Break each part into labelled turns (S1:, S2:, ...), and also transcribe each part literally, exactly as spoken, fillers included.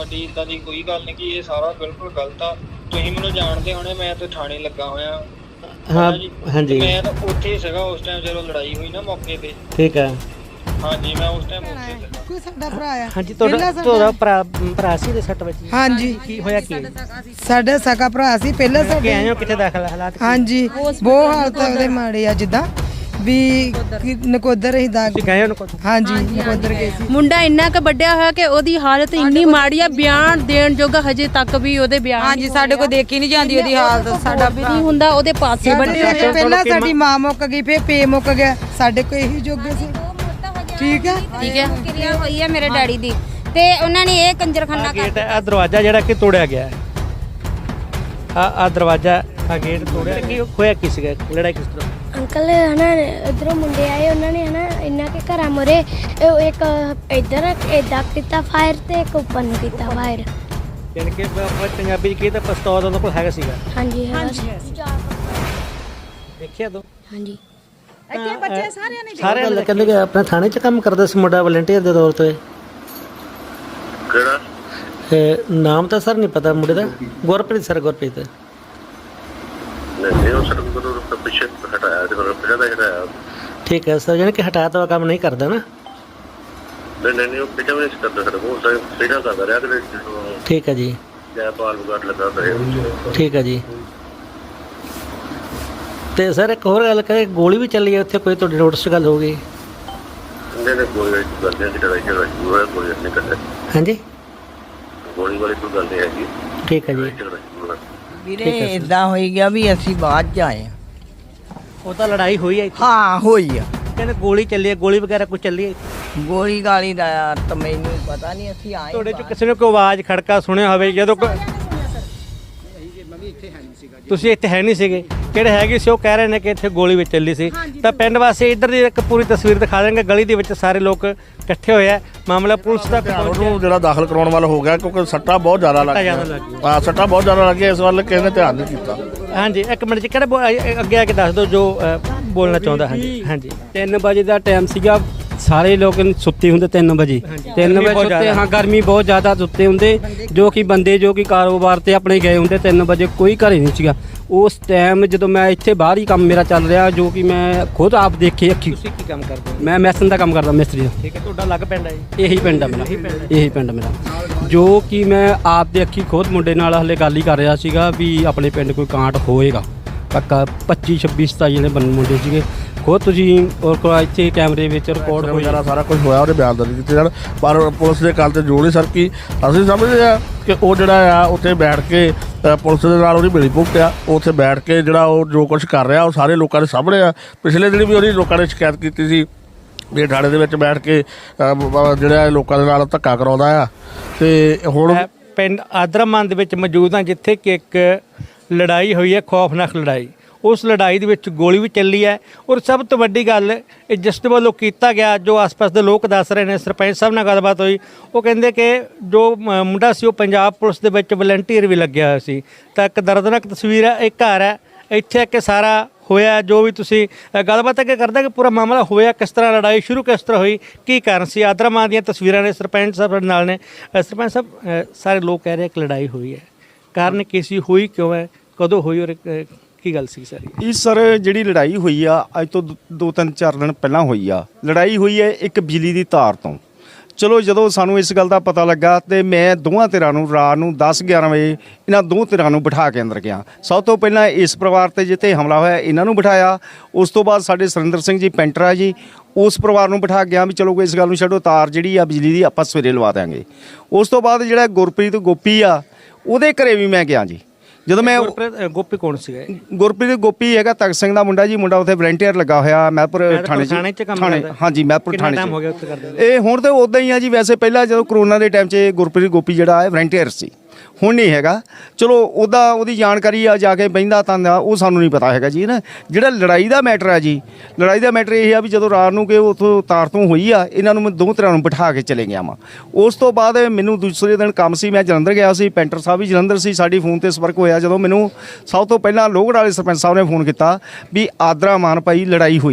S1: ਦੀ ਇਦਾਂ ਦੀ ਕੋਈ ਗੱਲ ਨਹੀਂ ਕਿ ਇਹ ਸਾਰਾ ਬਿਲਕੁਲ ਗਲਤ ਆ। ਤੁਸੀਂ ਮੈਨੂੰ ਜਾਣਦੇ ਹੋਣੇ, ਮੈਂ ਤੇ ਥਾਣੇ ਲੱਗਾ ਹੋਇਆ
S2: ਹਾਂ ਹਾਂਜੀ
S1: ਮੈਂ ਤਾਂ ਉੱਥੇ ਸੀਗਾ ਉਸ ਟਾਈਮ ਜਦੋਂ ਲੜਾਈ ਹੋਈ ਨਾ ਮੌਕੇ ਤੇ।
S2: ਠੀਕ ਹੈ
S1: ਹਾਂਜੀ ਮੈਂ ਉਸ ਟਾਈਮ ਉੱਥੇ ਸੀਗਾ।
S3: ਕੋਈ ਸਾਡਾ ਭਰਾ ਆ।
S2: ਹਾਂਜੀ ਤੁਹਾਡਾ ਤੁਹਾਡਾ ਭਰਾ ਭਰਾ ਸੀ ਦੇ ਸੱਟ ਵੱਜੀ?
S3: ਹਾਂਜੀ
S2: ਕੀ ਹੋਇਆ ਕੀ
S3: ਸਾਡਾ ਸਕਾ ਭਰਾ ਸੀ ਪਹਿਲਾਂ
S2: ਕਿ
S3: ਸਾਡੇ।
S2: ਆਏ ਹੋ ਕਿੱਥੇ ਦਾਖਲ ਹਾਲਾਤ?
S3: ਹਾਂਜੀ ਬਹੁਤ ਹਾਲਤ ਉਹਦੇ ਮਾੜੇ ਆ, ਜਿੱਦਾਂ ਵੀ ਨਕੋਦਰ ਹੀ ਦਾ।
S2: ਤੁਸੀਂ ਗਏ ਹੋ?
S3: ਹਾਂਜੀ ਨਕੋਦਰ ਗਏ ਸੀ।
S4: ਮੁੰਡਾ ਇੰਨਾ ਕੁ ਵੱਡਿਆ ਹੋਇਆ ਕਿ ਉਹਦੀ ਹਾਲਤ ਇੰਨੀ ਮਾੜੀ ਆ, ਬਿਆਨ ਦੇਣ ਜੋਗਾ ਹਜੇ ਤੱਕ ਵੀ ਉਹਦੇ ਬਿਆਨ
S5: ਹਾਂਜੀ ਸਾਡੇ ਕੋਲ ਦੇਖੀ ਨਹੀਂ ਜਾਂਦੀ ਉਹਦੀ ਹਾਲਤ। ਸਾਡਾ
S4: ਵੀ ਨਹੀਂ ਹੁੰਦਾ, ਉਹਦੇ ਪਾਸੇ ਵੱਡੇ ਹੋਏ।
S3: ਪਹਿਲਾਂ ਸਾਡੀ ਮਾਂ ਮੁੱਕ ਗਈ, ਫਿਰ ਪੇ ਮੁੱਕ ਗਿਆ, ਸਾਡੇ ਕੋਲ ਇਹੀ ਜੋਗੇ ਸੀ। ਠੀਕ ਹੈ
S4: ਠੀਕ ਹੈ।
S5: ਕਿਰਿਆ ਹੋਈ ਹੈ ਮੇਰੇ ਡੈਡੀ ਦੀ ਤੇ ਉਹਨਾਂ ਨੇ ਇਹ ਕੰਜਰਖਾਨਾ ਕਰ
S2: ਗੇਟ ਆ ਦਰਵਾਜ਼ਾ ਜਿਹੜਾ ਕਿ ਤੋੜਿਆ ਗਿਆ ਆ ਆ ਦਰਵਾਜ਼ਾ ਆ ਗੇਟ ਤੋੜਿਆ। ਕੀ ਹੋਇਆ ਕੀ ਸੀਗਾ? ਲੜਾਈ ਕਿਸ ਤਰ੍ਹਾਂ?
S6: ਅੰਕਲ ਹਨਾ ਇਧਰੋਂ ਮੁੰਡੇ ਆਏ, ਉਹਨਾਂ ਨੇ ਹਨਾ ਇੰਨਾ ਕੇ ਘਰਾਂ ਮੋਰੇ ਇੱਕ ਇੱਧਰ ਏਦਾਂ ਕੀਤਾ ਫਾਇਰ ਤੇ ਇੱਕ ਉੱਪਰ ਨੂੰ ਕੀਤਾ ਫਾਇਰ।
S2: ਯਾਨੀ ਕਿ ਆਪਾਂ ਪੰਜਾਬੀ ਚ ਕੀ ਤਾਂ ਪਿਸਤੌਲ ਉਹਨਾਂ ਕੋਲ ਹੈਗਾ ਸੀਗਾ?
S6: ਹਾਂਜੀ
S2: ਦੇਖਿਆ ਤੂੰ?
S6: ਹਾਂਜੀ
S3: ਇੱਥੇ ਬੱਚੇ ਸਾਰਿਆਂ ਨੇ
S2: ਸਾਰੇ ਲੋਕ ਕਹਿੰਦੇ ਕਿ ਆਪਣੇ ਥਾਣੇ 'ਚ ਕੰਮ ਕਰਦਾ ਸੀ ਮੁੰਡਾ ਵਲੰਟੀਅਰ ਦੇ ਤੌਰ ਤੇ।
S7: ਕਿਹੜਾ?
S2: ਤੇ ਨਾਮ ਤਾਂ ਸਰ ਨਹੀਂ ਪਤਾ ਮੁੰਡੇ ਦਾ। ਗੁਰਪ੍ਰੀਤ ਸਰ, ਗੁਰਪ੍ਰੀਤ।
S7: ਨਹੀਂ ਉਹ ਸਰ ਗੁਰੂ ਦਾ ਪਿੱਛੇ ਹਟਾਇਆ ਤੇ ਫਿਰ ਪਿੱਛੇ ਦਾ ਹਟਾਇਆ।
S2: ਠੀਕ ਹੈ ਸਰ, ਯਾਨੀ ਕਿ ਹਟਾਇਆ ਤਾਂ ਕੰਮ ਨਹੀਂ ਕਰਦਾ ਨਾ?
S7: ਨਹੀਂ ਨਹੀਂ ਨਹੀਂ ਉਹ ਪਿੱਛੇ ਵੀ ਨਹੀਂ ਕਰਦਾ ਸਰ, ਉਹ ਸਰ ਸਿੱਧਾ ਕਰਦਾ ਰਿਹਾ ਤੇ
S2: ਠੀਕ ਹੈ ਜੀ।
S7: ਜੈ ਪਾਲ ਵਗਾਟ ਲੱਗਾ ਰਿਹਾ।
S2: ਠੀਕ ਹੈ ਜੀ। ਤੇ ਸਰ ਇੱਕ ਹੋਰ ਗੱਲ ਕਰੇ, ਗੋਲੀ ਵੀ ਚੱਲੀ ਹੈ ਉੱਥੇ, ਕੋਈ ਤੁਹਾਡੀ ਨੋਟਿਸ 'ਚ ਗੱਲ ਹੋ ਗਈ?
S7: ਨਹੀਂ ਨਹੀਂ ਕੋਈ ਗੱਲ ਨਹੀਂ ਕਿ ਲੜਾਈ ਝਗੜਾ ਹੋਇਆ, ਕੋਈ ਨਹੀਂ ਕਰਦਾ।
S2: ਹਾਂਜੀ
S7: ਗੋਲੀ ਵਾਲੀ ਕੋਈ ਗੱਲ ਨਹੀਂ ਹੈਗੀ।
S2: ਠੀਕ ਹੈ ਜੀ।
S8: ਵੀਰੇ ਇਦਾਂ ਹੋਈ ਗਿਆ ਵੀ ਅਸੀਂ ਬਾਅਦ ਚ ਆਏ।
S2: ਉਹ ਤਾਂ ਲੜਾਈ ਹੋਈ ਹੈ?
S8: ਹਾਂ ਹੋਈ ਆ।
S2: ਕਹਿੰਦੇ ਗੋਲੀ ਚੱਲੀ ਹੈ, ਗੋਲੀ ਵਗੈਰਾ ਕੁਝ ਚੱਲੀ ਹੈ?
S8: ਗੋਲੀ ਗਾਲੀ ਦਾ ਯਾਰ ਤਾਂ ਮੈਨੂੰ ਪਤਾ ਨਹੀਂ, ਅਸੀਂ ਆਏ।
S2: ਤੁਹਾਡੇ 'ਚ ਕਿਸੇ ਨੇ ਕੋਈ ਆਵਾਜ਼ ਖੜਕਾ ਸੁਣਿਆ ਹੋਵੇ ਜਦੋਂ ਤੁਸੀਂ ਇੱਥੇ ਹੈ ਨਹੀਂ ਸੀਗੇ? ਕਿਹੜੇ ਹੈਗੇ ਸੀ ਉਹ ਕਹਿ ਰਹੇ ਨੇ ਕਿ ਇੱਥੇ ਗੋਲੀ ਵਿੱਚ ਚੱਲੀ ਸੀ। ਤਾਂ ਪਿੰਡ ਵਾਸੀ ਇੱਧਰ ਦੀ ਇੱਕ ਪੂਰੀ ਤਸਵੀਰ ਦਿਖਾ ਦੇਣਗੇ। ਗਲੀ ਦੇ ਵਿੱਚ ਸਾਰੇ ਲੋਕ ਇਕੱਠੇ ਹੋਏ ਆ, ਮਾਮਲਾ ਪੁਲਿਸ ਦਾ
S9: ਉਹਨੂੰ ਜਿਹੜਾ ਦਾਖਲ ਕਰਾਉਣ ਵਾਲਾ ਹੋ ਗਿਆ ਕਿਉਂਕਿ ਸੱਟਾਂ ਬਹੁਤ ਜ਼ਿਆਦਾ ਲੱਗ ਗਈਆਂ। ਹਾਂ ਸੱਟਾਂ ਬਹੁਤ ਜ਼ਿਆਦਾ ਲੱਗੀਆਂ, ਇਸ ਵੱਲ ਕਿਸੇ ਨੇ ਧਿਆਨ ਨਹੀਂ ਕੀਤਾ।
S2: ਹਾਂਜੀ ਇੱਕ ਮਿੰਟ 'ਚ ਕਿਹੜੇ ਅੱਗੇ ਆ ਕੇ ਦੱਸ ਦਿਓ ਜੋ ਬੋਲਣਾ ਚਾਹੁੰਦਾ। ਹਾਂਜੀ ਹਾਂਜੀ
S10: ਤਿੰਨ ਵਜੇ ਦਾ ਟਾਈਮ ਸੀਗਾ, ਸਾਰੇ ਲੋਕ ਸੁੱਤੇ ਹੁੰਦੇ ਤਿੰਨ ਵਜੇ ਤਿੰਨ ਵਜੇ ਸੁੱਤੇ। ਹਾਂ ਗਰਮੀ ਬਹੁਤ ਜ਼ਿਆਦਾ, ਸੁੱਤੇ ਹੁੰਦੇ ਜੋ ਕਿ ਬੰਦੇ ਜੋ ਕਿ ਕਾਰੋਬਾਰ ਤੇ ਆਪਣੇ ਗਏ ਹੁੰਦੇ। ਤਿੰਨ ਵਜੇ ਕੋਈ ਘਰੇ ਨਹੀਂ ਸੀਗਾ ਉਸ ਟਾਈਮ ਜਦੋਂ ਮੈਂ ਇੱਥੇ ਬਾਹਰ ਹੀ ਕੰਮ ਮੇਰਾ ਚੱਲ ਰਿਹਾ, ਜੋ ਕਿ ਮੈਂ ਖੁਦ ਆਪ ਦੇਖੇ ਅੱਖੀ।
S2: ਤੁਸੀਂ ਕੀ ਕੰਮ ਕਰਦੇ ਹੋ?
S10: ਮੈਂ ਮੈਸਨ ਦਾ ਕੰਮ ਕਰਦਾ, ਮਿਸਤਰੀ ਦਾ।
S2: ਠੀਕ ਹੈ। ਤੁਹਾਡਾ ਲੱਗ ਪਿੰਡ ਹੈ ਜੀ?
S10: ਇਹੀ ਪਿੰਡ ਆ ਮੇਰਾ, ਇਹੀ ਪਿੰਡ ਮੇਰਾ। ਜੋ ਕਿ ਮੈਂ ਆਪ ਦੇ ਅੱਖੀ ਖੁਦ ਮੁੰਡੇ ਨਾਲ ਹਲੇ ਗੱਲ ਹੀ ਕਰ ਰਿਹਾ ਸੀਗਾ ਵੀ ਆਪਣੇ ਪਿੰਡ ਕੋਈ ਕਾਂਟ ਹੋਏਗਾ ਪੱਕਾ। ਪੱਚੀ ਛੱਬੀ ਸਤਾਈ ਜਿਹੜੇ ਬੰਦੇ ਮੁੰਡੇ ਸੀਗੇ ਖੁਦ ਤੁਸੀਂ ਔਰ ਇੱਥੇ ਕੈਮਰੇ ਵਿੱਚ ਰਿਕਾਰਡ ਹੋ
S9: ਜਾਣਾ, ਸਾਰਾ ਕੁਝ ਹੋਇਆ, ਉਹਦੇ ਬਿਆਨ ਦਰਜ ਕੀਤੇ ਜਾਣ। ਪਰ ਪੁਲਿਸ ਦੇ ਗੱਲ ਤੇ ਜੋੜ ਨਹੀਂ ਸਰ ਕੀ ਅਸੀਂ ਸਮਝਦੇ ਆ ਕਿ ਉਹ ਜਿਹੜਾ ਆ ਉੱਥੇ ਬੈਠ ਕੇ ਪੁਲਿਸ ਦੇ ਨਾਲ ਉਹਦੀ ਮਿਲੀ ਭੁਗਤ ਆ। ਉੱਥੇ ਬੈਠ ਕੇ ਜਿਹੜਾ ਉਹ ਜੋ ਕੁਝ ਕਰ ਰਿਹਾ ਉਹ ਸਾਰੇ ਲੋਕਾਂ ਦੇ ਸਾਹਮਣੇ ਆ। ਪਿਛਲੇ ਦਿਨ ਵੀ ਉਹਦੀ ਲੋਕਾਂ ਨੇ ਸ਼ਿਕਾਇਤ ਕੀਤੀ ਸੀ ਵੀ ਥਾਣੇ ਦੇ ਵਿੱਚ ਬੈਠ ਕੇ ਜਿਹੜਾ ਲੋਕਾਂ ਦੇ ਨਾਲ ਧੱਕਾ ਕਰਾਉਂਦਾ ਆ। ਤੇ ਹੁਣ
S2: ਪਿੰਡ ਆਦਰਾਮਾਨ ਦੇ ਵਿੱਚ ਮੌਜੂਦ ਹਾਂ, ਜਿੱਥੇ ਕਿ ਇੱਕ ਲੜਾਈ ਹੋਈ ਹੈ, ਖੌਫਨਾਕ ਲੜਾਈ। ਉਸ ਲੜਾਈ ਦੇ ਵਿੱਚ ਗੋਲੀ ਵੀ ਚੱਲੀ ਹੈ। ਔਰ ਸਭ ਤੋਂ ਵੱਡੀ ਗੱਲ ਇਹ ਜਿਸ ਵੱਲੋਂ ਕੀਤਾ ਗਿਆ, ਜੋ ਆਸ-ਪਾਸ ਦੇ ਲੋਕ ਦੱਸ ਰਹੇ ਨੇ, ਸਰਪੰਚ ਸਾਹਿਬ ਨਾਲ ਗੱਲਬਾਤ ਹੋਈ, ਉਹ ਕਹਿੰਦੇ ਕਿ ਜੋ ਮੁੰਡਾ ਸੀ ਉਹ ਪੰਜਾਬ ਪੁਲਿਸ ਦੇ ਵਿੱਚ ਵਲੰਟੀਅਰ ਵੀ ਲੱਗਿਆ ਹੋਇਆ ਸੀ। ਤਾਂ ਇੱਕ ਦਰਦਨਾਕ ਤਸਵੀਰ ਹੈ। ਇੱਕ ਘਰ ਹੈ ਇੱਥੇ ਕਿ ਸਾਰਾ ਹੋਇਆ, ਜੋ ਵੀ ਤੁਸੀਂ ਗੱਲਬਾਤ ਅੱਗੇ ਕਰਦਾ ਕਿ ਪੂਰਾ ਮਾਮਲਾ ਹੋਇਆ ਕਿਸ ਤਰ੍ਹਾਂ, ਲੜਾਈ ਸ਼ੁਰੂ ਕਿਸ ਤਰ੍ਹਾਂ ਹੋਈ, ਕੀ ਕਾਰਨ ਸੀ। ਆਦਰਾਮਾਨ ਦੀਆਂ ਤਸਵੀਰਾਂ ਨੇ, ਸਰਪੰਚ ਸਾਹਿਬ ਨਾਲ ਨੇ। ਸਰਪੰਚ ਸਾਹਿਬ ਸਾਰੇ ਲੋਕ ਕਹਿ ਰਹੇ ਕਿ ਲੜਾਈ ਹੋਈ ਹੈ, ਕਾਰਨ ਕੀ ਸੀ, ਹੋਈ ਕਿਉਂ ਹੈ, ਕਦੋਂ ਹੋਈ ਔਰ ਕੀ ਗੱਲ ਸੀ ਸਾਰੀ?
S11: ਇਹ ਸਰ ਜਿਹੜੀ ਲੜਾਈ ਹੋਈ ਆ ਅੱਜ ਤੋਂ ਦੋ ਤਿੰਨ ਚਾਰ ਦਿਨ ਪਹਿਲਾਂ ਹੋਈ ਆ। ਲੜਾਈ ਹੋਈ ਹੈ ਇੱਕ ਬਿਜਲੀ ਦੀ ਤਾਰ ਤੋਂ। ਚਲੋ ਜਦੋਂ ਸਾਨੂੰ ਇਸ ਗੱਲ ਦਾ ਪਤਾ ਲੱਗਾ ਤੇ ਮੈਂ ਦੋਵਾਂ ਧਿਰਾਂ ਨੂੰ ਰਾਤ ਨੂੰ ਦਸ ਗਿਆਰਾਂ ਵਜੇ ਇਹਨਾਂ ਦੋ ਧਿਰਾਂ ਨੂੰ ਬਿਠਾ ਕੇ ਅੰਦਰ ਗਿਆ। ਸਭ ਤੋਂ ਪਹਿਲਾਂ ਇਸ ਪਰਿਵਾਰ ਤੇ ਜਿੱਥੇ ਹਮਲਾ ਹੋਇਆ ਇਹਨਾਂ ਨੂੰ ਬਿਠਾਇਆ। ਉਸ ਤੋਂ ਬਾਅਦ ਸਾਡੇ ਸੁਰਿੰਦਰ ਸਿੰਘ ਜੀ ਪੈਂਟਰ ਆ ਜੀ, ਉਸ ਪਰਿਵਾਰ ਨੂੰ ਬਿਠਾ ਗਿਆ ਵੀ ਚਲੋ ਇਸ ਗੱਲ ਨੂੰ ਛੱਡੋ, ਤਾਰ ਜਿਹੜੀ ਆ ਬਿਜਲੀ ਦੀ ਆਪਾਂ ਸਵੇਰੇ ਲਵਾ ਦਿਆਂਗੇ। ਉਸ ਤੋਂ ਬਾਅਦ ਜਿਹੜਾ ਗੁਰਪ੍ਰੀਤ ਗੋਪੀ ਆ ਉਹਦੇ ਘਰੇ ਵੀ ਮੈਂ ਗਿਆ ਜੀ। ਜਦੋਂ ਮੈਂ
S2: ਗੋਪੀ ਕੌਣ ਸੀਗਾ?
S11: ਗੁਰਪ੍ਰੀਤ ਗੋਪੀ ਹੈਗਾ ਤਖਤ ਸਿੰਘ ਦਾ ਮੁੰਡਾ ਜੀ, ਮੁੰਡਾ ਉੱਥੇ ਵਲੰਟੀਅਰ ਲੱਗਾ ਹੋਇਆ ਮਹਿਪੁਰ ਥਾਣੇ ਚ। ਥਾਣੇ ਹਾਂਜੀ ਮਹਿਪੁਰ ਥਾਣੇ ਚ। ਇਹ ਹੁਣ ਤਾਂ ਉੱਦਾਂ ਹੀ ਆ ਜੀ। ਵੈਸੇ ਪਹਿਲਾਂ ਜਦੋਂ ਕਰੋਨਾ ਦੇ ਟਾਈਮ 'ਚ ਗੁਰਪ੍ਰੀਤ ਗੋਪੀ ਜਿਹੜਾ ਹੈ ਵਲੰਟੀਅਰ ਸੀ, ਹੁਣ ਨਹੀਂ ਹੈਗਾ। ਚਲੋ ਉਹਦਾ ਉਹਦੀ ਜਾਣਕਾਰੀ ਆ ਜਾ ਕੇ ਬਹਿੰਦਾ ਤਾਂ ਉਹ ਸਾਨੂੰ ਨਹੀਂ ਪਤਾ ਹੈਗਾ ਜੀ ਨਾ। ਜਿਹੜਾ ਲੜਾਈ ਦਾ ਮੈਟਰ ਆ ਜੀ, ਲੜਾਈ ਦਾ ਮੈਟਰ ਇਹ ਆ ਵੀ ਜਦੋਂ ਰਾਤ ਨੂੰ ਕਿ ਉੱਥੋਂ ਤਾਰ ਤੋਂ ਹੋਈ ਆ, ਇਹਨਾਂ ਨੂੰ ਮੈਂ ਦੋ ਤਰ੍ਹਾਂ ਨੂੰ ਬਿਠਾ ਕੇ ਚਲੇ ਗਿਆ ਵਾਂ। ਉਸ ਤੋਂ ਬਾਅਦ ਮੈਨੂੰ ਦੂਸਰੇ ਦਿਨ ਕੰਮ ਸੀ, ਮੈਂ ਜਲੰਧਰ ਗਿਆ ਸੀ, ਪੈਂਟਰ ਸਾਹਿਬ ਵੀ ਜਲੰਧਰ ਸੀ। ਸਾਡੀ ਫੋਨ 'ਤੇ ਸੰਪਰਕ ਹੋਇਆ ਜਦੋਂ ਮੈਨੂੰ ਸਭ ਤੋਂ ਪਹਿਲਾਂ ਲੋਹਗੜ੍ਹ ਵਾਲੇ ਸਰਪੰਚ ਸਾਹਿਬ ਨੇ ਫੋਨ ਕੀਤਾ ਵੀ ਆਦਰਾਮਾਨ ਭਾਈ ਲੜਾਈ ਹੋਈ ਆ ਜੀ।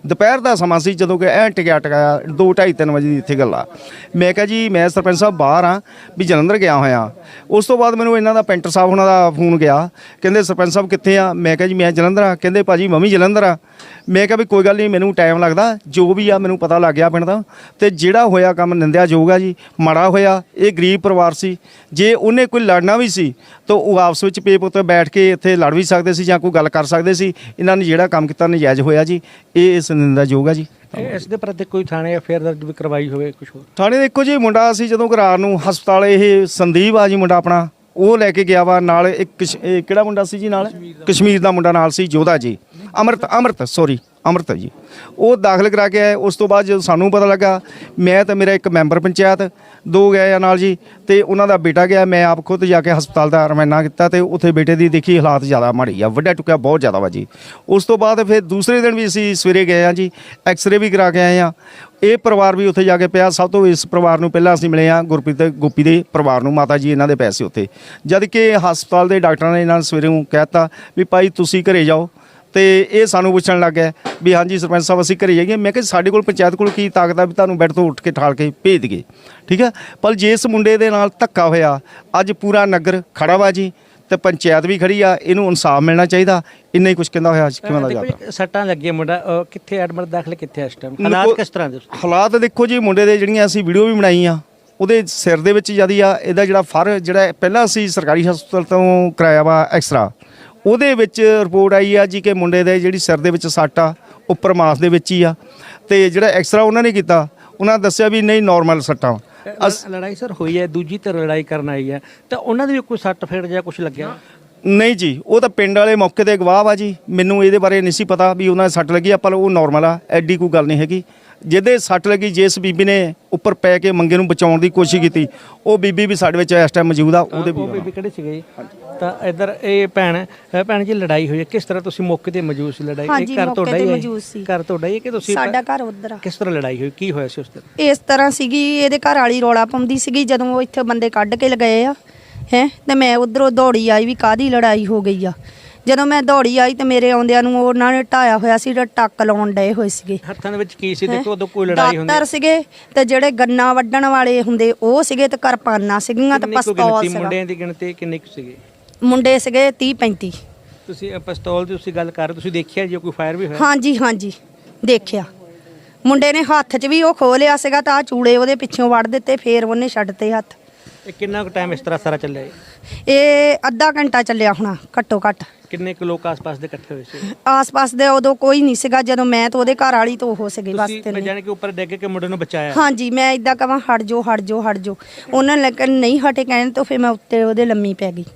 S11: ਦੁਪਹਿਰ ਦਾ ਸਮਾਂ ਸੀ ਜਦੋਂ ਕਿ ਐਂ ਟਿਕਿਆ ਟਿਕਾਇਆ ਦੋ ਢਾਈ ਤਿੰਨ ਵਜੇ ਦੀ ਇੱਥੇ ਗੱਲ ਆ। ਮੈਂ ਕਿਹਾ ਜੀ ਮੈਂ ਸਰਪੰਚ ਸਾਹਿਬ ਬਾਹਰ ਆ ਵੀ ਜਲੰਧਰ ਗਿਆ ਹੋਇਆ। ਉਸ ਤੋਂ ਬਾਅਦ ਮੈਨੂੰ ਇਹਨਾਂ ਦਾ ਪੈਂਟਰ ਸਾਹਿਬ ਉਹਨਾਂ ਦਾ ਫੋਨ ਗਿਆ, ਕਹਿੰਦੇ ਸਰਪੰਚ ਸਾਹਿਬ ਕਿੱਥੇ ਆ? ਮੈਂ ਕਿਹਾ ਜੀ ਮੈਂ ਜਲੰਧਰ ਆ। ਕਹਿੰਦੇ ਭਾਜੀ ਮੈਂ ਵੀ ਜਲੰਧਰ ਆ। ਮੈਂ ਕਿਹਾ ਵੀ ਕੋਈ ਗੱਲ ਨਹੀਂ, ਮੈਨੂੰ ਟਾਈਮ ਲੱਗਦਾ, ਜੋ ਵੀ ਆ ਮੈਨੂੰ ਪਤਾ ਲੱਗ ਗਿਆ ਪਿੰਡ ਦਾ। ਤੇ ਜਿਹੜਾ ਹੋਇਆ ਕੰਮ ਨਿੰਦਿਆਯੋਗ ਆ ਜੀ, ਮਾੜਾ ਹੋਇਆ। ਇਹ ਗਰੀਬ ਪਰਿਵਾਰ ਸੀ, ਜੇ ਉਹਨੇ ਕੋਈ ਲੜਨਾ ਵੀ ਸੀ ਤਾਂ ਉਹ ਆਪਸ ਵਿੱਚ ਪੇਪ ਉੱਤੇ ਬੈਠ ਕੇ ਇੱਥੇ ਲੜ ਵੀ ਸਕਦੇ ਸੀ ਜਾਂ ਕੋਈ ਗੱਲ ਕਰ ਸਕਦੇ ਸੀ। ਇਹਨਾਂ ਨੇ ਜਿਹੜਾ ਕੰਮ ਕੀਤਾ ਨਜਾਇਜ਼ ਹੋਇਆ ਜੀ, ਇਹ ਇਸ ਨਿੰਦਿਆਯੋਗ ਆ ਜੀ।
S2: ਇਸ ਦੇ ਪ੍ਰਤੀ ਕੋਈ ਥਾਣੇ ਐਫ ਆਈ ਆਰ ਦਰਜ ਵੀ ਕਰਵਾਈ ਹੋਵੇ ਕੁਝ ਹੋਰ?
S11: ਥਾਣੇ ਦੇਖੋ ਜੀ, ਮੁੰਡਾ ਸੀ ਜਦੋਂ ਘਰਾਰ ਨੂੰ ਹਸਪਤਾਲ, ਇਹ ਸੰਦੀਪ ਆ ਜੀ ਮੁੰਡਾ ਆਪਣਾ, ਉਹ ਲੈ ਕੇ ਗਿਆ ਵਾ ਨਾਲ। ਇੱਕ ਕਸ਼- ਇਹ ਕਿਹੜਾ ਮੁੰਡਾ ਸੀ ਜੀ ਨਾਲ? ਕਸ਼ਮੀਰ ਦਾ ਮੁੰਡਾ ਨਾਲ ਸੀ, ਜੋਧਾ ਜੀ, ਅਮਰਤ ਅਮਰਤ ਸੌਰੀ ਅਮਰਤ ਜੀ। ਉਹ ਦਾਖਲ ਕਰਾ ਕੇ ਆਏ। ਉਸ ਤੋਂ ਬਾਅਦ ਜਦੋਂ ਸਾਨੂੰ ਪਤਾ ਲੱਗਾ, ਮੈਂ ਤਾਂ ਮੇਰਾ ਇੱਕ ਮੈਂਬਰ ਪੰਚਾਇਤ ਦੋ ਗਏ ਆ ਨਾਲ ਜੀ, ਤੇ ਉਹਨਾਂ ਦਾ ਬੇਟਾ ਗਿਆ। ਮੈਂ ਆਪ ਖੁਦ ਜਾ ਕੇ ਹਸਪਤਾਲ ਦਾ ਰਵਾਨਾ ਕੀਤਾ ਤੇ ਉੱਥੇ ਬੇਟੇ ਦੀ ਦੇਖੀ ਹਾਲਾਤ ਜ਼ਿਆਦਾ ਮਾੜੀ ਆ, ਵੱਡਾ ਟੁੱਕਿਆ ਬਹੁਤ ਜ਼ਿਆਦਾ ਵਾ ਜੀ। ਉਸ ਤੋਂ ਬਾਅਦ ਫਿਰ ਦੂਸਰੇ ਦਿਨ ਵੀ ਅਸੀਂ ਸਵੇਰੇ ਗਏ ਆ ਜੀ, ਐਕਸਰੇ ਵੀ ਕਰਾ ਕੇ ਆਏ ਆ। ਇਹ ਪਰਿਵਾਰ ਵੀ ਉੱਥੇ ਜਾ ਕੇ ਪਿਆ। ਸਭ ਤੋਂ ਇਸ ਪਰਿਵਾਰ ਨੂੰ ਪਹਿਲਾਂ ਅਸੀਂ ਮਿਲੇ ਆ, ਗੁਰਪ੍ਰੀਤ ਤੇ ਗੋਪੀ ਦੇ ਪਰਿਵਾਰ ਨੂੰ। ਮਾਤਾ ਜੀ ਇਹਨਾਂ ਦੇ ਪੈਸੇ ਉੱਥੇ, ਜਦ ਕਿ ਹਸਪਤਾਲ ਦੇ ਡਾਕਟਰਾਂ ਨੇ ਇਹਨਾਂ ਨੂੰ ਸਵੇਰੇ ਨੂੰ ਕਹਿ ਦਿੱਤਾ ਵੀ ਭਾਈ ਤੁਸੀਂ ਘਰੇ ਜਾਓ। ਤੇ ਇਹ ਸਾਨੂੰ ਪੁੱਛਣ ਲੱਗ ਗਿਆ ਵੀ ਹਾਂਜੀ ਸਰਪੰਚ ਸਾਹਿਬ ਅਸੀਂ ਘਰੇ ਜਾਈਏ। ਮੈਂ ਕਿਹਾ ਸਾਡੇ ਕੋਲ ਪੰਚਾਇਤ ਕੋਲ ਕੀ ਤਾਕਤ ਆ ਵੀ ਤੁਹਾਨੂੰ ਬੈੱਡ ਤੋਂ ਉੱਠ ਕੇ ਠਾਲ ਕੇ ਭੇਜ ਦਈਏ, ਠੀਕ ਹੈ। ਪਰ ਜੇ ਇਸ ਮੁੰਡੇ ਦੇ ਨਾਲ ਧੱਕਾ ਹੋਇਆ, ਅੱਜ ਪੂਰਾ ਨਗਰ ਖੜਾ ਵਾ ਜੀ, ਤੇ ਪੰਚਾਇਤ ਵੀ ਖੜੀ ਆ, ਇਹਨੂੰ ਇਨਸਾਫ ਮਿਲਣਾ ਚਾਹੀਦਾ। ਇੰਨਾ ਹੀ ਕੁਝ ਕਹਿੰਦਾ ਹੋਇਆ ਕਿਵੇਂ ਦਾ ਜਾਂਦਾ।
S2: ਸੱਟਾਂ ਲੱਗੀਆਂ, ਮੁੰਡਾ ਅਹ, ਕਿੱਥੇ ਐਡਮਿਟ ਦਾਖਲ ਕਿੱਥੇ ਇਸ ਟਾਈਮ? ਹਾਲਾਤ ਕਿਸ ਤਰ੍ਹਾਂ ਦੇ?
S11: ਹਾਲਾਤ ਦੇਖੋ ਜੀ, ਮੁੰਡੇ ਦੇ ਜਿਹੜੀਆਂ ਅਸੀਂ ਵੀਡੀਓ ਵੀ ਬਣਾਈ ਆ, ਉਹਦੇ ਸਿਰ ਦੇ ਵਿੱਚ ਜਿਆਦੀ ਆ। ਇਹਦਾ ਜਿਹੜਾ ਫਰ ਜਿਹੜਾ ਪਹਿਲਾਂ ਅਸੀਂ ਸਰਕਾਰੀ ਹਸਪਤਾਲ ਤੋਂ ਕਰਾਇਆ ਵਾ ਐਕਸਰਾ, ਉਹਦੇ ਵਿੱਚ ਰਿਪੋਰਟ ਆਈ ਆ ਜੀ ਕਿ ਮੁੰਡੇ ਦੇ ਜਿਹੜੀ ਸਿਰ ਦੇ ਵਿੱਚ ਸੱਟ ਆ ਉੱਪਰ ਮਾਸ ਦੇ ਵਿੱਚ ਹੀ ਆ। ਤੇ ਜਿਹੜਾ ਐਕਸਰਾ ਉਹਨਾਂ ਨੇ ਕੀਤਾ, ਉਹਨਾਂ ਦੱਸਿਆ ਵੀ ਨਹੀਂ ਨਾਰਮਲ ਸੱਟਾਂ।
S2: ਲੜਾਈ ਸਰ ਹੋਈ ਹੈ, ਦੂਜੀ ਧਿਰ ਲੜਾਈ ਕਰਨ ਆਈ ਹੈ, ਤਾਂ ਉਹਨਾਂ ਦੇ ਵੀ ਕੋਈ ਸੱਟ ਫੇੜ ਜਾਂ ਕੁਝ ਲੱਗਿਆ?
S11: ਨਹੀਂ ਜੀ, ਉਹ ਤਾਂ ਪਿੰਡ ਵਾਲੇ ਮੌਕੇ ਤੇ ਗਵਾਹ ਵਾ ਜੀ। ਮੈਨੂੰ ਇਹਦੇ ਬਾਰੇ ਨਹੀਂ ਸੀ ਪਤਾ ਵੀ ਉਹਨਾਂ ਦੇ ਸੱਟ ਲੱਗੀ ਆ, ਪਰ ਉਹ ਨਾਰਮਲ ਆ, ਐਡੀ ਕੋਈ ਗੱਲ ਨਹੀਂ ਹੈਗੀ। ਜਿਹਦੇ ਸੱਟ ਲੱਗੀ, ਜਿਸ ਬੀਬੀ ਨੇ ਉੱਪਰ ਪੈ ਕੇ ਮੰਗੇ ਨੂੰ ਬਚਾਉਣ ਦੀ ਕੋਸ਼ਿਸ਼ ਕੀਤੀ, ਉਹ ਬੀਬੀ ਵੀ ਸਾਡੇ ਵਿੱਚ ਇਸ ਟਾਈਮ ਮੌਜੂਦ ਆ। ਉਹਦੇ ਵੀ
S2: ਬੀਬੀ ਕਿਹੜੇ ਸੀਗੇ? ਤਾਂ ਇੱਧਰ ਇਹ ਭੈਣ ਭੈਣ ਜੀ ਲੜਾਈ ਹੋਈ ਹੈ, ਕਿਸ ਤਰ੍ਹਾਂ ਤੁਸੀਂ ਮੌਕੇ ਤੇ ਮੌਜੂਦ ਸੀ? ਲੜਾਈ ਇਹ ਘਰ ਤੁਹਾਡਾ ਹੀ ਹੈ? ਘਰ ਤੁਹਾਡਾ ਹੀ ਹੈ ਕਿ ਤੁਸੀਂ?
S12: ਸਾਡਾ ਘਰ ਉੱਧਰ ਆ।
S2: ਕਿਸ ਤਰ੍ਹਾਂ ਲੜਾਈ ਹੋਈ, ਕੀ ਹੋਇਆ ਸੀ ਉਸ ਦਿਨ?
S12: ਇਸ ਤਰ੍ਹਾਂ ਸੀਗੀ, ਇਹਦੇ ਘਰ ਵਾਲੀ ਰੌਲਾ ਪਾਉਂਦੀ ਸੀਗੀ ਜਦੋਂ ਉਹ ਇੱਥੇ ਬੰਦੇ ਕੱਢ ਕੇ ਲਗਾਏ ਆ ਹੈ, ਤੇ ਮੈਂ ਉਧਰੋਂ ਦੌੜੀ ਆਈ ਵੀ ਕਾਹਦੀ ਲੜਾਈ ਹੋ ਗਈ ਆ। ਜਦੋਂ ਮੈਂ ਦੌੜੀ ਆਈ ਤੇ ਮੇਰੇ ਆਉਂਦਿਆਂ ਨੂੰ ਉਹਨਾਂ ਨੇ ਢਾਇਆ ਹੋਇਆ ਸੀ, ਟੱਕ ਲਾਉਣ ਡਏ ਹੋਏ ਸੀਗੇ।
S2: ਹੱਥਾਂ ਦੇ ਵਿੱਚ ਕੀ ਸੀ? ਦੇਖੋ ਉਦੋਂ ਕੋਈ ਲੜਾਈ ਹੁੰਦੀ
S12: ਦਾਤਰ ਸੀਗੇ ਤੇ ਜਿਹੜੇ ਗੰਨਾ ਵੱਢਣ ਵਾਲੇ ਹੁੰਦੇ ਉਹ ਸੀਗੇ, ਤੇ ਕਿਰਪਾਨਾਂ ਸੀਗੀਆਂ ਤੇ ਪਿਸਤੌਲ ਸੀਗਾ।
S2: ਮੁੰਡਿਆਂ ਦੀ ਗਿਣਤੀ ਕਿੰਨੇ ਕੁ ਸੀਗੇ?
S12: ਮੁੰਡੇ ਸੀਗੇ ਤੀਹ ਪੈਂਤੀ।
S2: ਤੁਸੀਂ ਪਿਸਤੌਲ ਦੀ ਤੁਸੀਂ ਗੱਲ ਕਰ ਰਹੇ, ਤੁਸੀਂ ਦੇਖਿਆ ਜੀ ਕੋਈ ਫਾਇਰ ਵੀ ਹੋਇਆ?
S12: ਹਾਂਜੀ ਹਾਂਜੀ ਦੇਖਿਆ। ਮੁੰਡੇ ਨੇ ਹੱਥ 'ਚ ਵੀ ਉਹ ਖੋਹ ਲਿਆ ਸੀਗਾ, ਤਾਂ ਆ ਚੂੜੇ ਉਹਦੇ ਪਿੱਛੋਂ ਵੱਢ ਦਿੱਤੇ, ਫੇਰ ਉਹਨੇ ਛੱਡਤੇ ਹੱਥ।
S2: ਇਹ ਕਿੰਨਾ ਕੁ ਟਾਈਮ ਇਸ ਤਰ੍ਹਾਂ ਸਾਰਾ ਚੱਲਿਆ?
S12: ਇਹ ਅੱਧਾ ਘੰਟਾ ਚੱਲਿਆ ਹੋਣਾ ਘੱਟੋ ਘੱਟ।
S2: ਕਿੰਨੇ ਕੁ ਲੋਕ ਆਸ-ਪਾਸ ਦੇ ਇਕੱਠੇ ਹੋਏ ਸੀ?
S12: ਆਸ-ਪਾਸ ਦੇ ਉਦੋਂ ਕੋਈ ਨਹੀਂ ਸੀਗਾ, ਜਦੋਂ ਮੈਂ ਤੇ ਉਹਦੇ ਘਰ ਵਾਲੀ ਤੋਂ ਉਹ ਸੀਗੇ ਬਸ ਤਿੰਨੇ।
S2: ਤੁਸੀਂ ਜਾਨ ਕੇ ਉੱਪਰ ਡਿੱਗ ਕੇ ਮੁੰਡੇ ਨੂੰ ਬਚਾਇਆ?
S12: ਹਾਂਜੀ, ਮੈਂ ਇਦਾਂ ਕਹਾਂ ਹਟ ਜਾਓ ਹਟ ਜਾਓ ਹਟ ਜਾਓ, ਉਹਨਾਂ ਨੇ ਲੇਕਿਨ ਨਹੀਂ ਹਟੇ ਕਹਿਣ ਤੋਂ ਫਿਰ ਮੈਂ ਉੱਤੇ ਉਹਦੇ ਲੰਮੀ ਪੈ ਗਈ।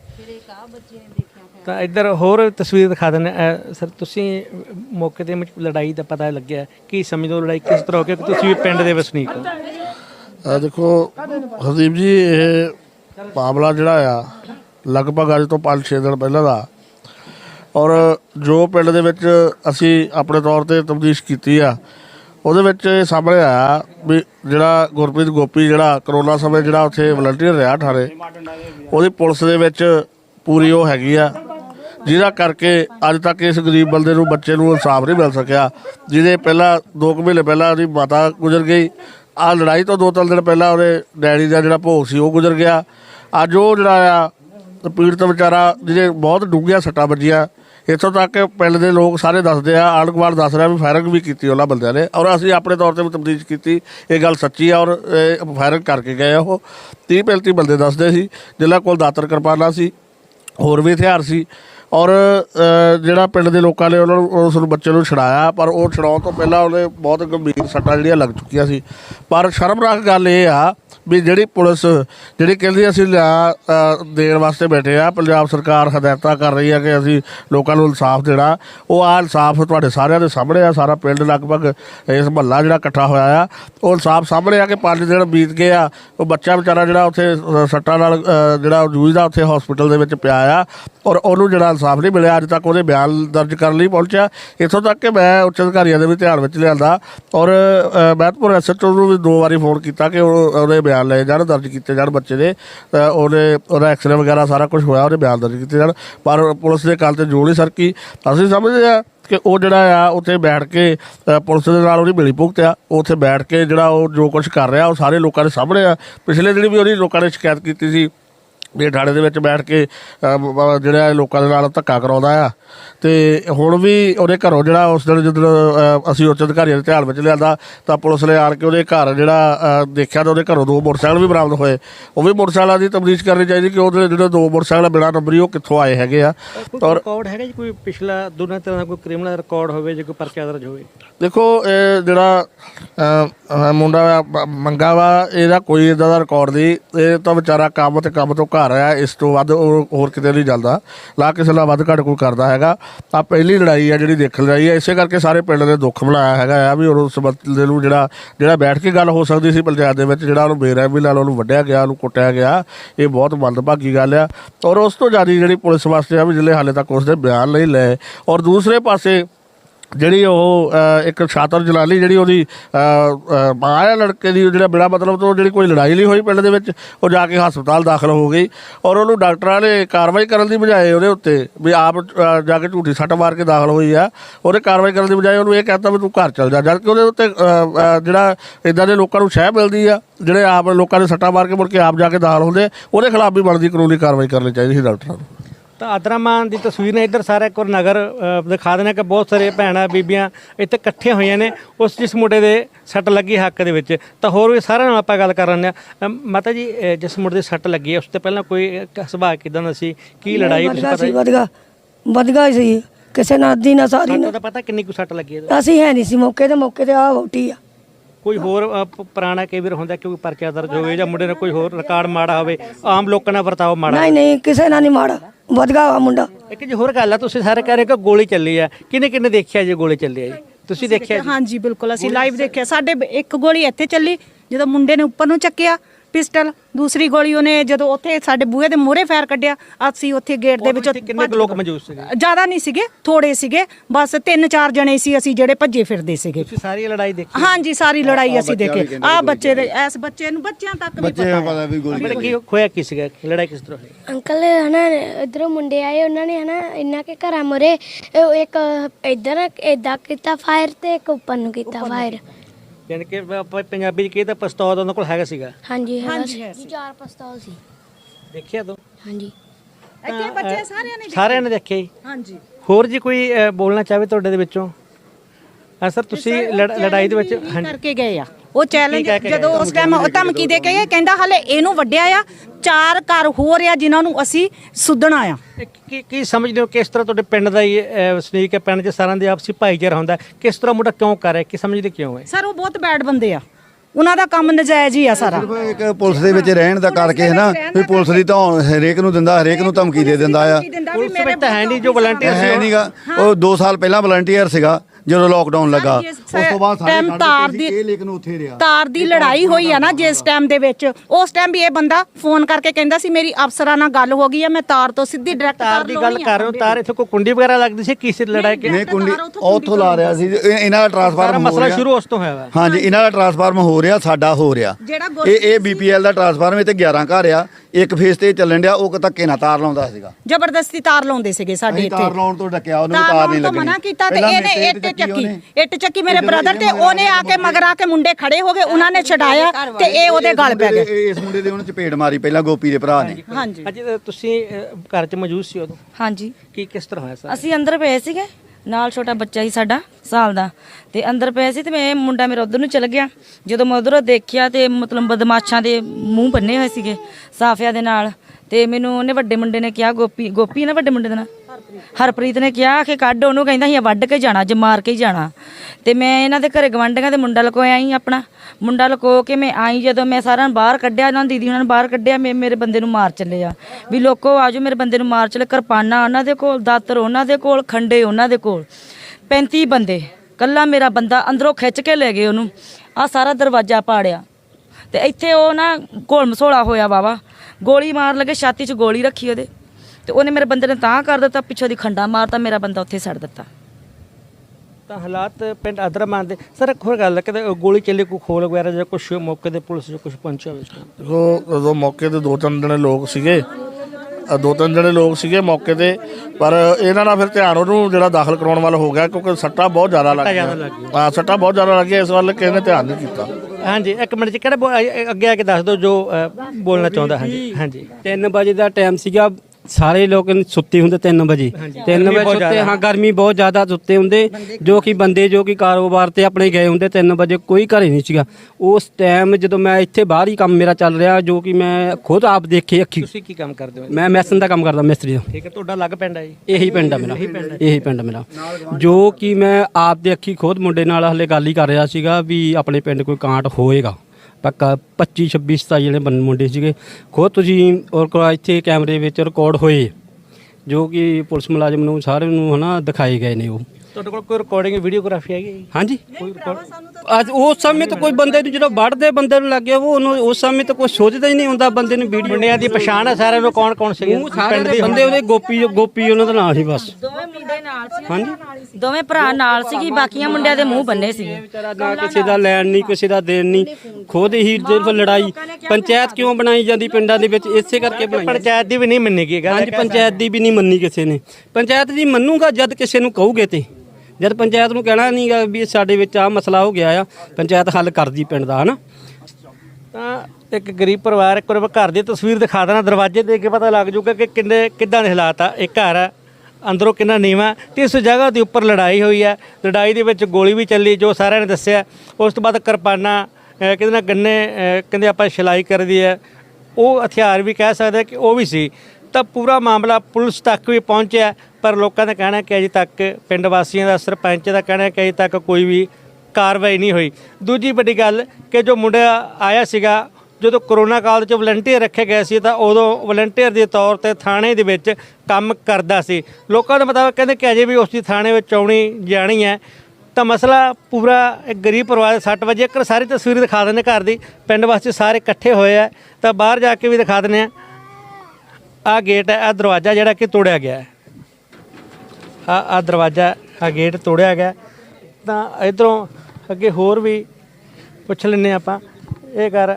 S2: ਤਾਂ ਇੱਧਰ ਹੋਰ ਤਸਵੀਰ ਦਿਖਾ ਦਿੰਦੇ ਸਰ। ਤੁਸੀਂ ਮੌਕੇ ਤੇ ਲੜਾਈ ਦਾ ਪਤਾ ਲੱਗਿਆ, ਕੀ ਸਮਝਦੇ ਹੋ ਲੜਾਈ ਕਿਸ ਤਰ੍ਹਾਂ ਹੋ ਗਈ? ਤੁਸੀਂ ਵੀ ਪਿੰਡ ਦੇ ਵਸਨੀਕ ਹੋ।
S9: ਆ ਦੇਖੋ ਹਰਦੀਪ ਜੀ, ਇਹ ਮਾਮਲਾ ਜਿਹੜਾ ਆ ਲਗਭਗ ਅੱਜ ਤੋਂ ਪੰਜ ਛੇ ਦਿਨ ਪਹਿਲਾਂ ਦਾ, ਔਰ ਜੋ ਪਿੰਡ ਦੇ ਵਿੱਚ ਅਸੀਂ ਆਪਣੇ ਤੌਰ ਤੇ ਤਫਤੀਸ਼ ਕੀਤੀ ਆ, ਉਹਦੇ ਵਿੱਚ ਇਹ ਸਾਹਮਣੇ ਆਇਆ ਵੀ ਜਿਹੜਾ ਗੁਰਪ੍ਰੀਤ ਗੋਪੀ ਜਿਹੜਾ ਕਰੋਨਾ ਸਮੇਂ ਜਿਹੜਾ ਉੱਥੇ ਵਲੰਟੀਅਰ ਰਿਹਾ ਠਾਣੇ, ਉਹਦੀ ਪੁਲਿਸ ਦੇ ਵਿੱਚ ਪੂਰੀ ਉਹ ਹੈਗੀ ਆ, ਜਿਹਦਾ ਕਰਕੇ ਅੱਜ ਤੱਕ ਇਸ ਗਰੀਬ ਬੰਦੇ ਨੂੰ ਬੱਚੇ ਨੂੰ ਇਨਸਾਫ ਨਹੀਂ ਮਿਲ ਸਕਿਆ। ਜਿਹਦੇ ਪਹਿਲਾਂ ਦੋ ਕੁ ਮਹੀਨੇ ਪਹਿਲਾਂ ਉਹਦੀ ਮਾਤਾ ਗੁਜ਼ਰ ਗਈ, ਆਹ ਲੜਾਈ ਤੋਂ ਦੋ ਤਿੰਨ ਦਿਨ ਪਹਿਲਾਂ ਉਹਦੇ ਡੈਡੀ ਦਾ ਜਿਹੜਾ ਭੋਗ ਸੀ ਉਹ ਗੁਜ਼ਰ ਗਿਆ। ਅੱਜ ਉਹ ਜਿਹੜਾ ਆ ਪੀੜਤ ਵਿਚਾਰਾ ਜਿਹਦੇ ਬਹੁਤ ਡੂੰਘੀਆਂ ਸੱਟਾਂ ਵੱਜੀਆਂ, ਇੱਥੋਂ ਤੱਕ ਕਿ ਪਿੰਡ ਦੇ ਲੋਕ ਸਾਰੇ ਦੱਸਦੇ ਆ, ਆਂਢ ਗੁਆਂਢ ਦੱਸ ਰਿਹਾ ਵੀ ਫਾਇਰਿੰਗ ਵੀ ਕੀਤੀ ਉਹਨਾਂ ਬੰਦਿਆਂ ਨੇ, ਔਰ ਅਸੀਂ ਆਪਣੇ ਤੌਰ 'ਤੇ ਵੀ ਤਫਤੀਸ਼ ਕੀਤੀ, ਇਹ ਗੱਲ ਸੱਚੀ ਆ। ਔਰ ਫਾਇਰਿੰਗ ਕਰਕੇ ਗਏ ਆ ਉਹ ਤੀਹ ਪੈਂਤੀ ਬੰਦੇ ਦੱਸਦੇ ਸੀ, ਜਿਨ੍ਹਾਂ ਕੋਲ ਦਾਤਰ ਕਿਰਪਾਨਾਂ ਸੀ, ਹੋਰ ਵੀ ਹਥਿਆਰ ਸੀ। ਔਰ ਜਿਹੜਾ ਪਿੰਡ ਦੇ ਲੋਕਾਂ ਨੇ ਉਹਨਾਂ ਨੂੰ ਉਸ ਨੂੰ ਬੱਚੇ ਨੂੰ ਛੁਡਾਇਆ, ਪਰ ਉਹ ਛੁਡਾਉਣ ਤੋਂ ਪਹਿਲਾਂ ਉਹਨੇ ਬਹੁਤ ਗੰਭੀਰ ਸੱਟਾਂ ਜਿਹੜੀਆਂ ਲੱਗ ਚੁੱਕੀਆਂ ਸੀ। ਪਰ ਸ਼ਰਮਨਾਕ ਗੱਲ ਇਹ ਆ ਵੀ ਜਿਹੜੀ ਪੁਲਿਸ ਜਿਹੜੀ ਕਹਿੰਦੀ ਅਸੀਂ ਲਿਆ ਦੇਣ ਵਾਸਤੇ ਬੈਠੇ ਆ, ਪੰਜਾਬ ਸਰਕਾਰ ਹਦਾਇਤਾਂ ਕਰ ਰਹੀ ਆ ਕਿ ਅਸੀਂ ਲੋਕਾਂ ਨੂੰ ਇਨਸਾਫ ਦੇਣਾ, ਉਹ ਆਹ ਇਨਸਾਫ ਤੁਹਾਡੇ ਸਾਰਿਆਂ ਦੇ ਸਾਹਮਣੇ ਆ। ਸਾਰਾ ਪਿੰਡ ਲਗਭਗ ਇਸ ਮਹੱਲਾ ਜਿਹੜਾ ਇਕੱਠਾ ਹੋਇਆ ਆ, ਉਹ ਇਨਸਾਫ ਸਾਹਮਣੇ ਆ ਕਿ ਪੰਜ ਦਿਨ ਬੀਤ ਗਏ ਆ, ਉਹ ਬੱਚਾ ਵਿਚਾਰਾ ਜਿਹੜਾ ਉੱਥੇ ਸੱਟਾਂ ਨਾਲ ਜਿਹੜਾ ਜੂਝਦਾ ਉੱਥੇ ਹਸਪੀਟਲ ਦੇ ਵਿੱਚ ਪਿਆ ਆ, ਔਰ ਉਹਨੂੰ ਜਿਹੜਾ ਇਨਸਾਫ ਨਹੀਂ ਮਿਲਿਆ। ਅੱਜ ਤੱਕ ਉਹਦੇ ਬਿਆਨ ਦਰਜ ਕਰਨ ਲਈ ਪਹੁੰਚਿਆ। ਇੱਥੋਂ ਤੱਕ ਕਿ ਮੈਂ ਉੱਚ ਅਧਿਕਾਰੀਆਂ ਦੇ ਵੀ ਧਿਆਨ ਵਿੱਚ ਲਿਆਂਦਾ, ਔਰ ਮਹਿਤਪੁਰ ਐਸ ਐਚ ਓ ਨੂੰ ਵੀ ਦੋ ਵਾਰੀ ਫੋਨ ਕੀਤਾ ਕਿ ਉਹ ਉਹਦੇ ਬਿਆਨ ਲਏ ਜਾਣ, ਦਰਜ ਕੀਤੇ ਜਾਣ ਬੱਚੇ ਦੇ। ਉਹਦੇ ਉਹਦਾ ਐਕਸਰੇ ਵਗੈਰਾ ਸਾਰਾ ਕੁਝ ਹੋਇਆ, ਉਹਦੇ ਬਿਆਨ ਦਰਜ ਕੀਤੇ ਜਾਣ, ਪਰ ਪੁਲਿਸ ਦੇ ਕੱਲ ਤੇ ਜੋੜ ਨਹੀਂ ਸਰਕੀ। ਅਸੀਂ ਸਮਝਦੇ ਹਾਂ ਕਿ ਉਹ ਜਿਹੜਾ ਆ ਉੱਥੇ ਬੈਠ ਕੇ ਅ, ਪੁਲਿਸ ਦੇ ਨਾਲ ਉਹਦੀ ਮਿਲੀ ਭੁਗਤ ਆ। ਉੱਥੇ ਬੈਠ ਕੇ ਜਿਹੜਾ ਉਹ ਜੋ ਕੁਝ ਕਰ ਰਿਹਾ ਉਹ ਸਾਰੇ ਲੋਕਾਂ ਦੇ ਸਾਹਮਣੇ ਆ। ਪਿਛਲੇ ਦਿਨ ਵੀ ਉਹਦੀ ਲੋਕਾਂ ਨੇ ਸ਼ਿਕਾਇਤ ਕੀਤੀ ਸੀ ਵੀ ਥਾਣੇ ਦੇ ਵਿੱਚ ਬੈਠ ਕੇ ਅ, ਬ- ਜਿਹੜਾ ਲੋਕਾਂ ਦੇ ਨਾਲ ਧੱਕਾ ਕਰਾਉਂਦਾ ਆ। ਤੇ ਹੁਣ ਵੀ ਉਹਦੇ ਘਰੋਂ ਜਿਹੜਾ ਉਸ ਦਿਨ ਜਦੋਂ ਅ, ਅਸੀਂ ਉੱਚ ਅਧਿਕਾਰੀਆਂ ਦੇ ਧਿਆਨ ਵਿੱਚ ਲਿਆਂਦਾ ਤਾਂ ਪੁਲਿਸ ਨੇ ਆਣ ਕੇ ਉਹਦੇ ਘਰ ਜਿਹੜਾ ਅ, ਦੇਖਿਆ ਤਾਂ ਉਹਦੇ ਘਰੋਂ ਦੋ ਮੋਟਰਸਾਈਕਲ ਵੀ ਬਰਾਮਦ ਹੋਏ। ਉਹ ਵੀ ਮੋਟਰਸਾਈਕਲਾਂ ਦੀ ਤਫਤੀਸ਼ ਕਰਨੀ ਚਾਹੀਦੀ ਕਿ ਉਹਦੇ ਜਿਹੜੇ ਦੋ ਮੋਟਰਸਾਈਕਲ ਬਿਨਾਂ ਨੰਬਰੀ ਉਹ ਕਿੱਥੋਂ ਆਏ ਹੈਗੇ ਆ।
S2: ਔਰ ਰਿਕਾਰਡ ਹੈਗਾ ਜੀ ਕੋਈ ਪਿਛਲਾ ਦੋਨਾਂ ਤਰ੍ਹਾਂ ਦਾ ਕੋਈ ਕ੍ਰਿਮੀਨਲ ਰਿਕਾਰਡ ਹੋਵੇ ਜਾਂ ਕੋਈ ਪਰਚਾ ਦਰਜ ਹੋਵੇ?
S9: ਦੇਖੋ ਇਹ ਜਿਹੜਾ ਅ, ਅ, ਮੁੰਡਾ ਵਾ, ਬ- ਮੰਗਾ ਵਾ, ਇਹਦਾ ਕੋਈ ਇਦਾਂ ਦਾ ਰਿਕਾਰਡ ਨਹੀਂ। ਇਹ ਤਾਂ ਵਿਚਾਰਾ ਕੰਮ ਤੇ ਕੰਮ ਤੋਂ ਘਰ ਆ, ਇਸ ਤੋਂ ਵੱਧ ਉਹ ਹੋਰ ਕਿਤੇ ਨਹੀਂ ਚੱਲਦਾ, ਨਾ ਕਿਸੇ ਨਾਲ ਵੱਧ ਘੱਟ ਕੋਈ ਕਰਦਾ ਹੈਗਾ। ਆ ਪਹਿਲੀ ਲੜਾਈ ਆ ਜਿਹੜੀ ਦੇਖਣ ਲਈ ਆ, ਇਸੇ ਕਰਕੇ ਸਾਰੇ ਪਿੰਡ ਦੇ ਦੁੱਖ ਬਣਾਇਆ ਹੈਗਾ ਆ ਵੀ ਉਸ ਬੰਦੇ ਨੂੰ ਜਿਹੜਾ ਜਿਹੜਾ ਬੈਠ ਕੇ ਗੱਲ ਹੋ ਸਕਦੀ ਸੀ ਪੰਚਾਇਤ ਦੇ ਵਿੱਚ, ਜਿਹੜਾ ਉਹਨੂੰ ਬੇਰਹਿਮੀ ਨਾਲ ਉਹਨੂੰ ਵੱਢਿਆ ਗਿਆ, ਉਹਨੂੰ ਕੁੱਟਿਆ ਗਿਆ, ਇਹ ਬਹੁਤ ਮੰਦਭਾਗੀ ਗੱਲ ਆ। ਔਰ ਉਸ ਤੋਂ ਜ਼ਿਆਦਾ ਜਿਹੜੀ ਪੁਲਿਸ ਵਾਸਤੇ ਆ ਵੀ ਜਿਹੜੇ ਹਾਲੇ ਤੱਕ ਉਸਦੇ ਬਿਆਨ ਨਹੀਂ ਲਏ। ਔਰ ਦੂਸਰੇ ਪਾਸੇ ਜਿਹੜੀ ਉਹ ਅ, ਇੱਕ ਛਾਤਰ ਜਲਾਲੀ ਜਿਹੜੀ ਉਹਦੀ ਅ, ਅ, ਮਾਂ ਹੈ ਲੜਕੇ ਦੀ, ਜਿਹੜਾ ਬਿਨਾਂ ਮਤਲਬ ਤੋਂ ਜਿਹੜੀ ਕੋਈ ਲੜਾਈ ਨਹੀਂ ਹੋਈ ਪਿੰਡ ਦੇ ਵਿੱਚ, ਉਹ ਜਾ ਕੇ ਹਸਪਤਾਲ ਦਾਖਲ ਹੋ ਗਈ। ਔਰ ਉਹਨੂੰ ਡਾਕਟਰਾਂ ਨੇ ਕਾਰਵਾਈ ਕਰਨ ਦੀ ਬਜਾਏ ਉਹਦੇ ਉੱਤੇ ਵੀ ਆਪ ਅ, ਜਾ ਕੇ ਝੂਠੀ ਸੱਟ ਮਾਰ ਕੇ ਦਾਖਲ ਹੋਈ ਆ, ਉਹਦੇ ਕਾਰਵਾਈ ਕਰਨ ਦੀ ਬਜਾਏ ਉਹਨੂੰ ਇਹ ਕਹਿਤਾ ਵੀ ਤੂੰ ਘਰ ਚੱਲ ਜਾ। ਜਦ ਕਿ ਉਹਦੇ ਉੱਤੇ ਅ, ਅ, ਜਿਹੜਾ ਇੱਦਾਂ ਦੇ ਲੋਕਾਂ ਨੂੰ ਸ਼ਹਿ ਮਿਲਦੀ ਆ, ਜਿਹੜੇ ਆਪ ਲੋਕਾਂ ਦੇ ਸੱਟਾਂ ਮਾਰ ਕੇ ਮੁੜ ਕੇ ਆਪ ਜਾ ਕੇ ਦਾਖਲ ਹੁੰਦੇ, ਉਹਦੇ ਖਿਲਾਫ ਵੀ ਬਣਦੀ ਕਾਨੂੰਨੀ ਕਾਰਵਾਈ ਕਰਨੀ ਚਾਹੀਦੀ ਸੀ ਡਾਕਟਰਾਂ ਨੂੰ।
S2: ਤਾਂ ਆਦਰਾਮਾਨ ਦੀ ਤਸਵੀਰ ਨੇ ਇੱਧਰ ਸਾਰਾ ਇੱਕ ਵਾਰ ਨਗਰ ਅ, ਦਿਖਾ ਦੇਣਾ ਕਿ ਬਹੁਤ ਸਾਰੇ ਭੈਣਾਂ ਬੀਬੀਆਂ ਇੱਥੇ ਇਕੱਠੀਆਂ ਹੋਈਆਂ ਨੇ ਉਸ ਜਿਸ ਮੁੰਡੇ ਦੇ ਸੱਟ ਲੱਗੀ ਹੱਕ ਦੇ ਵਿੱਚ। ਤਾਂ ਹੋਰ ਵੀ ਸਾਰਿਆਂ ਨਾਲ ਆਪਾਂ ਗੱਲ ਕਰ ਲੈਂਦੇ ਹਾਂ। ਮਾਤਾ ਜੀ ਅ, ਜਿਸ ਮੁੰਡੇ ਦੇ ਸੱਟ ਲੱਗੀ ਹੈ ਉਸ ਤੋਂ ਪਹਿਲਾਂ ਕੋਈ ਅ, ਸੁਭਾਅ ਕਿਦਾਂ ਦਾ ਸੀ, ਕੀ ਲੜਾਈ ਤੁਸੀਂ ਪਤਾ?
S6: ਵਧਗਾ ਵਧਗਾ ਸੀ ਕਿਸੇ ਨਾਲ ਦੀ ਨਾ ਸਾਰੀ
S2: ਤੁਹਾਨੂੰ ਤਾਂ ਪਤਾ ਕਿੰਨੀ ਕੁ ਸੱਟ ਲੱਗੀ ਹੈ?
S6: ਅਸੀਂ ਹੈ ਨਹੀਂ ਸੀ ਮੌਕੇ ਤੇ ਮੌਕੇ ਤੇ ਆ ਵੋਟੀ ਆ।
S2: ਕੋਈ ਹੋਰ ਅ, ਪ- ਪੁਰਾਣਾ ਕਈ ਵਾਰ ਹੁੰਦਾ ਕਿ ਕੋਈ ਪਰਚਾ ਦਰਜ ਹੋਵੇ ਜਾਂ ਮੁੰਡੇ ਦਾ ਕੋਈ ਹੋਰ ਰਿਕਾਰਡ ਮਾੜਾ ਹੋਵੇ, ਆਮ ਲੋਕਾਂ ਨਾਲ ਵਰਤਾਓ ਮਾੜਾ?
S6: ਨਹੀਂ ਨਹੀਂ ਕਿਸੇ ਨਾਲ ਨਹੀਂ ਮਾੜਾ, ਵਧਗਾ ਵਾ ਮੁੰਡਾ।
S2: ਇੱਕ ਜੀ ਹੋਰ ਗੱਲ ਆ, ਤੁਸੀਂ ਸਾਰੇ ਕਹਿ ਰਹੇ ਕਿ ਗੋਲੀ ਚੱਲੀ ਆ, ਕਿਹਨੇ ਕਿਹਨੇ ਦੇਖਿਆ ਜੀ ਗੋਲੀ ਚੱਲੀ ਆ ਜੀ? ਤੁਸੀਂ ਦੇਖਿਆ ਜੀ?
S13: ਹਾਂਜੀ ਬਿਲਕੁਲ, ਅਸੀਂ ਲਾਈਵ ਦੇਖਿਆ। ਸਾਡੇ ਬ- ਇੱਕ ਗੋਲੀ ਇੱਥੇ ਚੱਲੀ ਜਦੋਂ ਮੁੰਡੇ ਨੇ ਉੱਪਰ ਨੂੰ ਚੱਕਿਆ ਪਿਸਟਲ, ਦੂਸਰੀ ਗੋਲੀ ਉਹਨੇ ਜਦੋਂ ਉੱਥੇ ਸਾਡੇ ਬੂਹੇ ਦੇ ਮੂਹਰੇ ਫਾਇਰ ਕੱਢਿਆ। ਅਸੀਂ ਉੱਥੇ ਗੇਟ ਦੇ ਵਿੱਚੋਂ
S2: ਕਿੰਨੇ ਕੁ ਲੋਕ ਮੌਜੂਦ ਸੀਗੇ?
S13: ਜ਼ਿਆਦਾ ਨਹੀਂ ਸੀਗੇ, ਥੋੜੇ ਸੀਗੇ, ਬਸ ਤਿੰਨ ਚਾਰ ਜਣੇ ਸੀ ਅਸੀਂ ਜਿਹੜੇ ਭੱਜੇ ਫਿਰਦੇ ਸੀਗੇ।
S2: ਤੁਸੀਂ ਸਾਰੀ ਲੜਾਈ ਦੇਖੀ?
S13: ਹਾਂਜੀ ਸਾਰੀ ਲੜਾਈ ਅਸੀਂ ਦੇਖੇ। ਆ ਬੱਚੇ ਦੇ ਇਸ ਬੱਚੇ ਨੂੰ ਬੱਚਿਆਂ ਤੱਕ ਵੀ ਪਤਾ
S2: ਬੜੇ ਕੀ ਹੋਇਆ ਕੀ ਸੀਗਾ, ਲੜਾਈ ਕਿਸ ਤਰ੍ਹਾਂ ਹੋਈ?
S6: ਅੰਕਲ ਹਨਾ ਇਧਰੋਂ ਮੁੰਡੇ ਆਏ, ਉਹਨਾਂ ਨੇ ਹਨਾ ਇਹਨਾਂ ਕੇ ਘਰਾਂ ਮੁਰੇ ਇੱਕ ਇਧਰ ਏਦਾਂ ਕੀਤਾ ਫਾਇਰ ਤੇ ਇੱਕ ਉੱਪਰ ਨੂੰ ਕੀਤਾ ਫਾਇਰ।
S2: ਯਾਨੀ ਕਿ ਆਪਾਂ ਪੰਜਾਬੀ ਚ ਕਹੇ ਤਾਂ ਪਿਸਤੌਲ ਉਹਨਾਂ ਕੋਲ ਹੈਗਾ ਸੀਗਾ?
S6: ਹਾਂਜੀ ਹਾਂਜੀ ਚਾਰ ਪਿਸਤੌਲ ਸੀ।
S2: ਦੇਖਿਆ ਤੂੰ?
S6: ਹਾਂਜੀ
S13: ਇੱਥੇ ਬੱਚੇ ਸਾਰਿਆਂ ਨੇ
S2: ਸਾਰਿਆਂ ਨੇ ਦੇਖਿਆ ਜੀ?
S13: ਹਾਂਜੀ।
S2: ਹੋਰ ਜੀ ਕੋਈ ਅ, ਬੋਲਣਾ ਚਾਹਵੇ ਤੁਹਾਡੇ ਦੇ ਵਿੱਚੋਂ? ਹਾਂ ਸਰ, ਤੁਸੀਂ ਲੜ- ਲੜਾਈ ਦੇ ਵਿੱਚ
S13: ਕਰਕੇ ਗਏ ਆ ਉਹ ਚੈਲੰਜ, ਜਦੋਂ ਉਸ ਟਾਈਮ ਉਹ ਧਮਕੀ ਦੇ ਕੇ ਗਏ, ਕਹਿੰਦਾ ਹਲੇ ਇਹਨੂੰ ਵੱਡਿਆ ਆ, ਚਾਰ ਘਰ ਹੋ ਰਿਹਾ ਜਿਨ੍ਹਾਂ ਨੂੰ ਅਸੀਂ ਸੁੱਧਣਾ ਆ।
S2: ਕੀ ਕੀ ਸਮਝਦੇ ਹੋ ਕਿਸ ਤਰ੍ਹਾਂ ਤੁਹਾਡੇ ਪਿੰਡ ਦਾ ਹੀ ਅ, ਵਸਨੀਕ ਹੈ, ਪਿੰਡ 'ਚ ਸਾਰਿਆਂ ਦੇ ਆਪਸੀ ਭਾਈਚਾਰਾ ਹੁੰਦਾ, ਕਿਸ ਤਰ੍ਹਾਂ ਮੁੰਡਾ ਕਿਉਂ ਕਰ ਰਿਹਾ, ਕੀ ਸਮਝਦੇ ਕਿਉਂ ਹੈ?
S13: ਸਰ ਉਹ ਬਹੁਤ ਬੈਡ ਬੰਦੇ ਆ, ਉਹਨਾਂ ਦਾ ਕੰਮ ਨਜਾਇਜ਼ ਹੀ ਆ ਸਾਰਾ।
S14: ਇੱਕ ਪੁਲਿਸ ਦੇ ਵਿੱਚ ਰਹਿਣ ਦਾ ਕਰਕੇ ਹੈ ਨਾ, ਵੀ ਪੁਲਿਸ ਦੀ ਤਾਂ ਹਰੇਕ ਨੂੰ ਦਿੰਦਾ, ਹਰੇਕ ਨੂੰ ਧਮਕੀ ਦੇ ਦਿੰਦਾ ਆ।
S2: ਪੁਲਿਸ ਵਿੱਚ ਤਾਂ ਹੈ ਨਹੀਂ ਜੋ ਵਲੰਟੀਅਰ
S14: ਹੈ ਨਹੀਂਗਾ, ਉਹ ਦੋ ਸਾਲ ਪਹਿਲਾਂ ਵਲੰਟੀਅਰ ਸੀਗਾ ਜਦੋਂ ਲੋਕਡਾਊਨ ਲੱਗਾ, ਉਸ ਤੋਂ ਬਾਅਦ
S13: ਟਾਈਮ ਤਾਰ ਦੀ
S14: ਇਹ ਲੇਕਿਨ ਉੱਥੇ ਰਿਹਾ।
S13: ਤਾਰ ਦੀ ਲੜਾਈ ਹੋਈ ਆ ਨਾ ਜਿਸ ਟਾਈਮ ਦੇ ਵਿੱਚ, ਉਸ ਟਾਈਮ ਵੀ ਇਹ ਬੰਦਾ ਫੋਨ ਕਰਕੇ ਕਹਿੰਦਾ ਸੀ ਮੇਰੀ ਅਫਸਰਾਂ ਨਾਲ ਗੱਲ ਹੋ ਗਈ ਆ, ਮੈਂ ਤਾਰ ਤੋਂ ਸਿੱਧੀ ਡਾਇਰੈਕਟ
S2: ਤਾਰ ਦੀ ਗੱਲ ਕਰ ਰਹੇ ਹੋ? ਤਾਰ ਇੱਥੇ ਕੋਈ ਕੁੰਡੀ ਵਗੈਰਾ ਲੱਗਦੀ ਸੀ, ਕਿਸ ਲੜਾਈ ਕਿ
S14: ਨਹੀਂ ਕੁੰਡੀ ਉੱਥੋਂ ਲਾ ਰਿਹਾ ਸੀ। ਇਹ- ਇਹਨਾਂ ਦਾ ਟਰਾਂਸਫਾਰਮਰ ਹੋ
S2: ਮਸਲਾ
S14: ਰਿਹਾ,
S2: ਸ਼ੁਰੂ ਉਸ ਤੋਂ ਹੋਇਆ ਵਾ?
S14: ਹਾਂਜੀ ਇਹਨਾਂ ਦਾ ਟਰਾਂਸਫਾਰਮਰ ਹੋ ਰਿਹਾ, ਸਾਡਾ ਹੋ ਰਿਹਾ। ਇਹ ਇਹ ਬੀਪੀਐਲ ਦਾ ਟਰਾਂਸਫਾਰਮਰ, ਤੇ ਗਿਆਰਾਂ ਘਰ ਆ, ਇੱਕ ਫੇਸ ਤੇ ਚੱਲਣ ਡਿਆ, ਉਹ ਧੱਕੇ ਨਾਲ ਤਾਰ ਲਾਉਂਦਾ ਸੀਗਾ,
S13: ਜ਼ਬਰਦਸਤੀ ਤਾਰ ਲਾਉਂਦੇ ਸੀਗੇ ਸਾਡੇ ਇੱਥੇ।
S14: ਤਾਰ ਲਾਉਣ ਤੋਂ ਡੱਕਿਆ, ਉਹਨੂੰ
S13: ਤਾਰ
S14: ਤਾਰ
S13: ਲਾਉਣ
S14: ਨਹੀਂ
S13: ਤੋਂ
S14: ਲੱਗਣੀ।
S13: ਮਨਾ ਕੀਤਾ ਤੇ ਇਹਨੇ ਇੱਟ ਚੱਕੀ, ਇੱਟ ਚੱਕੀ ਮੇਰੇ ਬ੍ਰਦਰ ਤੇ, ਉਹਨੇ ਆ ਕੇ ਮਗਰ ਆ ਕੇ ਮੁੰਡੇ ਖੜੇ ਹੋ ਗਏ, ਉਹਨਾਂ ਨੇ ਛਡਾਇਆ ਤੇ ਇਹ ਉਹਦੇ ਗਲ ਪੈ ਗਏ।
S14: ਇਸ ਮੁੰਡੇ ਦੇ ਉਹਨੇ ਚਪੇੜ ਮਾਰੀ ਪਹਿਲਾਂ, ਗੋਪੀ ਦੇ ਭਰਾ ਨੇ।
S13: ਹਾਂਜੀ।
S2: ਅੱਜ ਤੁਸੀਂ ਅ, ਘਰ 'ਚ ਮੌਜੂਦ ਸੀ ਉਦੋਂ?
S15: ਹਾਂਜੀ।
S2: ਕੀ ਕਿਸ ਤਰ੍ਹਾਂ ਹੋਇਆ ਸਰ?
S15: ਅਸੀਂ ਅੰਦਰ ਪਏ ਸੀਗੇ, ਨਾਲ ਛੋਟਾ ਬੱਚਾ ਸੀ ਸਾਡਾ ਸਾਲ ਦਾ, ਤੇ ਅੰਦਰ ਪਏ ਸੀ ਤੇ ਮੈਂ ਮੁੰਡਾ ਮੇਰਾ ਉਧਰ ਨੂੰ ਚਲ ਗਿਆ। ਜਦੋਂ ਮੈਂ ਉਧਰੋਂ ਦੇਖਿਆ ਤੇ ਮਤਲਬ ਬਦਮਾਸ਼ਾਂ ਦੇ ਮੂੰਹ ਬੰਨੇ ਹੋਏ ਸੀਗੇ ਸਾਫਿਆਂ ਦੇ ਨਾਲ, ਤੇ ਮੈਨੂੰ ਉਹਨੇ ਵੱਡੇ ਮੁੰਡੇ ਨੇ ਕਿਹਾ, ਗੋਪੀ ਗੋਪੀ ਨਾ ਵੱਡੇ ਮੁੰਡੇ ਦਾ ਨਾਂ, ਹਰਪ੍ਰੀਤ ਨੇ ਕਿਹਾ ਕਿ ਕੱਢ ਉਹਨੂੰ, ਕਹਿੰਦਾ ਸੀ ਵੱਢ ਕੇ ਜਾਣਾ, ਜੇ ਮਾਰ ਕੇ ਹੀ ਜਾਣਾ। ਤੇ ਮੈਂ ਇਹਨਾਂ ਦੇ ਘਰੇ ਗਵਾਂਢੀਆਂ ਦੇ ਮੁੰਡਾ ਲਕੋਇਆ ਆਈ, ਆਪਣਾ ਮੁੰਡਾ ਲਕੋ ਕੇ ਮੈਂ ਆਈ। ਜਦੋਂ ਮੈਂ ਸਾਰਿਆਂ ਨੂੰ ਬਾਹਰ ਕੱਢਿਆ, ਇਹਨਾਂ ਦੀਦੀ ਉਹਨਾਂ ਨੂੰ ਬਾਹਰ ਕੱਢਿਆ, ਮੈਂ ਮੇਰੇ ਬੰਦੇ ਨੂੰ ਮਾਰ ਚੱਲੇ ਆ ਵੀ ਲੋਕੋ ਆਜੋ ਮੇਰੇ ਬੰਦੇ ਨੂੰ ਮਾਰ ਚੱਲੇ। ਕਿਰਪਾਨਾਂ ਉਹਨਾਂ ਦੇ ਕੋਲ, ਦਾਤਰ ਉਹਨਾਂ ਦੇ ਕੋਲ, ਖੰਡੇ ਉਹਨਾਂ ਦੇ ਕੋਲ, ਪੈਂਤੀ ਬੰਦੇ, ਕੱਲਾ ਮੇਰਾ ਬੰਦਾ ਅੰਦਰੋਂ ਖਿੱਚ ਕੇ ਲੈ ਗਏ ਉਹਨੂੰ। ਆਹ ਸਾਰਾ ਦਰਵਾਜ਼ਾ ਪਾੜਿਆ ਤੇ ਇੱਥੇ ਉਹ ਨਾ ਘੋਲ ਮਸੋਲਾ ਹੋਇਆ ਵਾਵਾ, ਗੋਲੀ ਮਾਰ ਲੱਗੇ, ਛਾਤੀ 'ਚ ਗੋਲੀ ਰੱਖੀ ਉਹਦੇ, ਤੇ ਉਹਨੇ ਮੇਰੇ ਬੰਦੇ ਨੇ ਤਾਂ ਕਰ ਦਿੱਤਾ, ਪਿੱਛੋਂ ਦੀ ਖੰਡਾ ਮਾਰਤਾ, ਮੇਰਾ ਬੰਦਾ ਉੱਥੇ ਛੱਡ ਦਿੱਤਾ।
S2: ਤਾਂ ਹਾਲਾਤ ਪਿੰਡ ਆਦਰਾਮਾਨ ਦੇ ਸਰ, ਇੱਕ ਹੋਰ ਗੱਲ ਹੈ ਕਿ ਗੋਲੀ ਚੱਲੀ, ਕੋਈ ਖੋਲ ਵਗੈਰਾ ਜਾਂ ਕੁਛ ਮੌਕੇ ਤੇ ਪੁਲਿਸ ਜੋ ਕੁਛ ਪਹੁੰਚਿਆ ਹੋਵੇ?
S9: ਦੇਖੋ ਉਦੋਂ ਮੌਕੇ ਤੇ ਦੋ ਤਿੰਨ ਜਣੇ ਲੋਕ ਸੀਗੇ, ਅ, ਦੋ ਤਿੰਨ ਜਿਹੜੇ ਲੋਕ ਸੀਗੇ ਮੌਕੇ ਤੇ, ਪਰ ਇਹਨਾਂ ਦਾ ਫਿਰ ਧਿਆਨ ਉਹਨੂੰ ਜਿਹੜਾ ਦਾਖਲ ਕਰਾਉਣ ਵੱਲ ਹੋ ਗਿਆ ਕਿਉਂਕਿ ਸੱਟਾਂ ਬਹੁਤ ਜ਼ਿਆਦਾ ਲੱਗ ਗਈਆਂ। ਹਾਂ, ਸੱਟਾਂ ਬਹੁਤ ਜ਼ਿਆਦਾ ਲੱਗੀਆਂ, ਇਸ ਵੱਲ ਕਿਸੇ ਨੇ ਧਿਆਨ ਨਹੀਂ ਕੀਤਾ।
S2: ਹਾਂਜੀ, ਇੱਕ ਮਿੰਟ 'ਚ ਕਿਹੜਾ ਬੋ- ਅ- ਅੱਗੇ ਆ ਕੇ ਦੱਸ ਦਿਓ ਜੋ ਅ, ਬੋਲਣਾ ਚਾਹੁੰਦਾ। ਹਾਂਜੀ ਹਾਂਜੀ
S10: ਤਿੰਨ ਵਜੇ ਦਾ ਟਾਈਮ ਸੀਗਾ, ਸਾਰੇ ਲੋਕ ਸੁੱਤੇ ਹੁੰਦੇ ਤਿੰਨ ਵਜੇ ਤਿੰਨ ਵਜੇ ਸੁੱਤੇ। ਹਾਂ, ਗਰਮੀ ਬਹੁਤ ਜ਼ਿਆਦਾ, ਸੁੱਤੇ ਹੁੰਦੇ ਜੋ ਕਿ ਬੰਦੇ ਜੋ ਕਿ ਕਾਰੋਬਾਰ ਤੇ ਆਪਣੇ ਗਏ ਹੁੰਦੇ ਤਿੰਨ ਵਜੇ, ਕੋਈ ਘਰੇ ਨਹੀਂ ਸੀਗਾ ਉਸ ਟਾਈਮ। ਜਦੋਂ ਮੈਂ ਇੱਥੇ ਬਾਹਰ ਹੀ ਕੰਮ ਮੇਰਾ ਚੱਲ ਰਿਹਾ, ਜੋ ਕਿ ਮੈਂ ਖੁਦ ਆਪ ਦੇਖੇ ਅੱਖੀ।
S2: ਤੁਸੀਂ ਕੀ ਕੰਮ ਕਰਦੇ ਹੋ?
S10: ਮੈਂ ਮੈਸਨ ਦਾ ਕੰਮ ਕਰਦਾ, ਮਿਸਤਰੀ ਦਾ।
S2: ਠੀਕ ਹੈ, ਤੁਹਾਡਾ ਅਲੱਗ ਪਿੰਡ ਹੈ ਜੀ?
S10: ਇਹੀ ਪਿੰਡ ਆ ਮੇਰਾ, ਇਹੀ ਪਿੰਡ ਮੇਰਾ, ਜੋ ਕਿ ਮੈਂ ਆਪ ਦੇ ਅੱਖੀ ਖੁਦ ਮੁੰਡੇ ਨਾਲ ਹਲੇ ਗੱਲ ਹੀ ਕਰ ਰਿਹਾ ਸੀਗਾ ਵੀ ਆਪਣੇ ਪਿੰਡ ਕੋਈ ਕਾਂਟ ਹੋਏਗਾ ਪੱਕਾ। ਪੱਚੀ ਛੱਬੀ ਸਤਾਈ ਜਿਹੜੇ ਬੰ ਮੁੰਡੇ ਸੀਗੇ, ਖੁਦ ਤੁਸੀਂ ਔਰ ਇੱਥੇ ਕੈਮਰੇ ਵਿੱਚ ਰਿਕਾਰਡ ਹੋਏ, ਜੋ ਕਿ ਪੁਲਿਸ ਮੁਲਾਜ਼ਮ ਨੂੰ ਸਾਰਿਆਂ ਨੂੰ ਹਨਾ ਦਿਖਾਏ ਗਏ ਨੇ। ਉਹ
S2: ਤੁਹਾਡੇ ਕੋਲ ਕੋਈ ਰਿਕਾਰਡਿੰਗ ਵੀਡੀਓਗ੍ਰਾਫੀ ਹੈਗੀ?
S10: ਹਾਂਜੀ, ਅੱਜ ਉਸ ਸਮੇਂ ਤਾਂ ਕੋਈ ਬੰਦੇ ਨੂੰ ਜਦੋਂ ਵੱਢਦੇ ਬੰਦੇ ਨੂੰ ਲੱਗਿਆ, ਉਹ ਉਹਨੂੰ ਉਸ ਸਮੇਂ ਤਾਂ ਕੋਈ ਸੋਚਦਾ ਹੀ ਨਹੀਂ ਹੁੰਦਾ ਬੰਦੇ ਨੂੰ। ਵੀਡੀਓ
S2: ਮੁੰਡਿਆਂ ਦੀ ਪਛਾਣ ਹੈ ਸਾਰਿਆਂ ਨੂੰ, ਕੌਣ ਕੌਣ ਸੀਗੇ
S10: ਪਿੰਡ ਦੇ ਬੰਦੇ? ਉਹਦੇ ਗੋਪੀ ਗੋਪੀ ਉਹਨਾਂ ਦਾ ਨਾਂ ਸੀ ਬਸ।
S15: ਦੋਵੇਂ ਮੁੰਡੇ ਨਾਲ ਸੀ,
S10: ਹਾਂਜੀ,
S15: ਦੋਵੇਂ ਭਰਾ ਨਾਲ ਸੀਗੀ, ਬਾਕੀਆਂ ਮੁੰਡਿਆਂ ਦੇ ਮੂੰਹ ਬੰਨੇ ਸੀਗੇ।
S10: ਨਾ ਕਿਸੇ ਦਾ ਲੈਣ ਨਹੀਂ, ਕਿਸੇ ਦਾ ਦੇਣ ਨਹੀਂ, ਖੁਦ ਹੀ ਸਿਰਫ ਲੜਾਈ। ਪੰਚਾਇਤ ਕਿਉਂ ਬਣਾਈ ਜਾਂਦੀ ਪਿੰਡਾਂ ਦੇ ਵਿੱਚ? ਇਸੇ ਕਰਕੇ ਬਣਾਈ।
S2: ਪੰਚਾਇਤ ਦੀ ਵੀ ਨਹੀਂ ਮੰਨੀ ਗਈ ਗੱਲ।
S10: ਹਾਂਜੀ, ਪੰਚਾਇਤ ਦੀ ਵੀ ਨਹੀਂ ਮੰਨੀ ਕਿਸੇ ਨੇ। ਪੰਚਾਇਤ ਦੀ ਮੰਨੂਗਾ ਜਦ ਕਿਸੇ ਨੂੰ ਕਹੂਗੇ, ਤੇ ਜਦ ਪੰਚਾਇਤ ਨੂੰ ਕਹਿਣਾ ਨਹੀਂਗਾ ਵੀ ਸਾਡੇ ਵਿੱਚ ਆਹ ਮਸਲਾ ਹੋ ਗਿਆ ਆ, ਪੰਚਾਇਤ ਹੱਲ ਕਰਦੀ ਪਿੰਡ ਦਾ ਹਨਾ।
S2: ਤਾਂ ਇੱਕ ਗਰੀਬ ਪਰਿਵਾਰ, ਇੱਕ ਵਾਰ ਘਰ ਦੀ ਤਸਵੀਰ ਦਿਖਾ ਦੇਣਾ, ਦਰਵਾਜ਼ੇ ਦੇਖ ਕੇ ਪਤਾ ਲੱਗ ਜਾਊਗਾ ਕਿ ਕਿੰਨੇ ਕਿੱਦਾਂ ਦੇ ਹਾਲਾਤ ਆ। ਇਹ ਘਰ ਆ, ਅੰਦਰੋਂ ਕਿੰਨਾ ਨੀਵਾਂ, ਤੇ ਇਸ ਜਗ੍ਹਾ ਦੇ ਉੱਪਰ ਲੜਾਈ ਹੋਈ ਹੈ। ਲੜਾਈ ਦੇ ਵਿੱਚ ਗੋਲੀ ਵੀ ਚੱਲੀ, ਜੋ ਸਾਰਿਆਂ ਨੇ ਦੱਸਿਆ। ਉਸ ਤੋਂ ਬਾਅਦ ਕਿਰਪਾਨਾਂ, ਕਿਹਦੇ ਨਾਲ ਗੰਨੇ ਕਹਿੰਦੇ ਆਪਾਂ ਸਿਲਾਈ ਕਰਦੀ ਹੈ, ਉਹ ਹਥਿਆਰ ਵੀ ਕਹਿ ਸਕਦੇ ਕਿ ਉਹ ਵੀ ਸੀ। ਤਾਂ ਪੂਰਾ ਮਾਮਲਾ ਪੁਲਿਸ ਤੱਕ ਵੀ ਪਹੁੰਚਿਆ, ਪਰ ਲੋਕਾਂ ਦਾ ਕਹਿਣਾ ਕਿ ਅਜੇ ਤੱਕ, ਪਿੰਡ ਵਾਸੀਆਂ ਦਾ, ਸਰਪੰਚ ਦਾ ਕਹਿਣਾ ਕਿ ਅਜੇ ਤੱਕ ਕੋਈ ਵੀ ਕਾਰਵਾਈ ਨਹੀਂ ਹੋਈ। ਦੂਜੀ ਵੱਡੀ ਗੱਲ ਕਿ ਜੋ ਮੁੰਡਾ ਆਇਆ ਸੀਗਾ, ਜਦੋਂ ਕਰੋਨਾ ਕਾਲ 'ਚ ਵਲੰਟੀਅਰ ਰੱਖੇ ਗਏ ਸੀ, ਤਾਂ ਉਦੋਂ ਵਲੰਟੀਅਰ ਦੇ ਤੌਰ 'ਤੇ ਥਾਣੇ ਦੇ ਵਿੱਚ ਕੰਮ ਕਰਦਾ ਸੀ। ਲੋਕਾਂ ਦੇ ਮੁਤਾਬਕ ਕਹਿੰਦੇ ਕਿ ਅਜੇ ਵੀ ਉਸ ਦੀ ਥਾਣੇ ਵਿੱਚ ਆਉਣੀ ਜਾਣੀ ਹੈ। ਤਾਂ ਮਸਲਾ ਪੂਰਾ ਇੱਕ ਗਰੀਬ ਪਰਿਵਾਰ ਦੇ ਸੱਟ ਵਜੇ। ਇੱਕ ਸਾਰੀ ਤਸਵੀਰ ਦਿਖਾ ਦਿੰਦੇ ਘਰ ਦੀ, ਪਿੰਡ ਵਾਸਤੇ ਸਾਰੇ ਇਕੱਠੇ ਹੋਏ ਆ। ਤਾਂ ਬਾਹਰ ਜਾ ਕੇ ਵੀ ਦਿਖਾ ਦਿੰਦੇ ਆ। ਆਹ ਗੇਟ ਹੈ, ਆਹ ਦਰਵਾਜ਼ਾ ਜਿਹੜਾ ਕਿ ਤੋੜਿਆ ਗਿਆ ਹੈ। ਆ ਆਹ ਦਰਵਾਜ਼ਾ, ਆਹ ਗੇਟ ਤੋੜਿਆ ਗਿਆ। ਤਾਂ ਇੱਧਰੋਂ ਅੱਗੇ ਹੋਰ ਵੀ ਪੁੱਛ ਲੈਂਦੇ ਆਪਾਂ। ਇਹ ਘਰ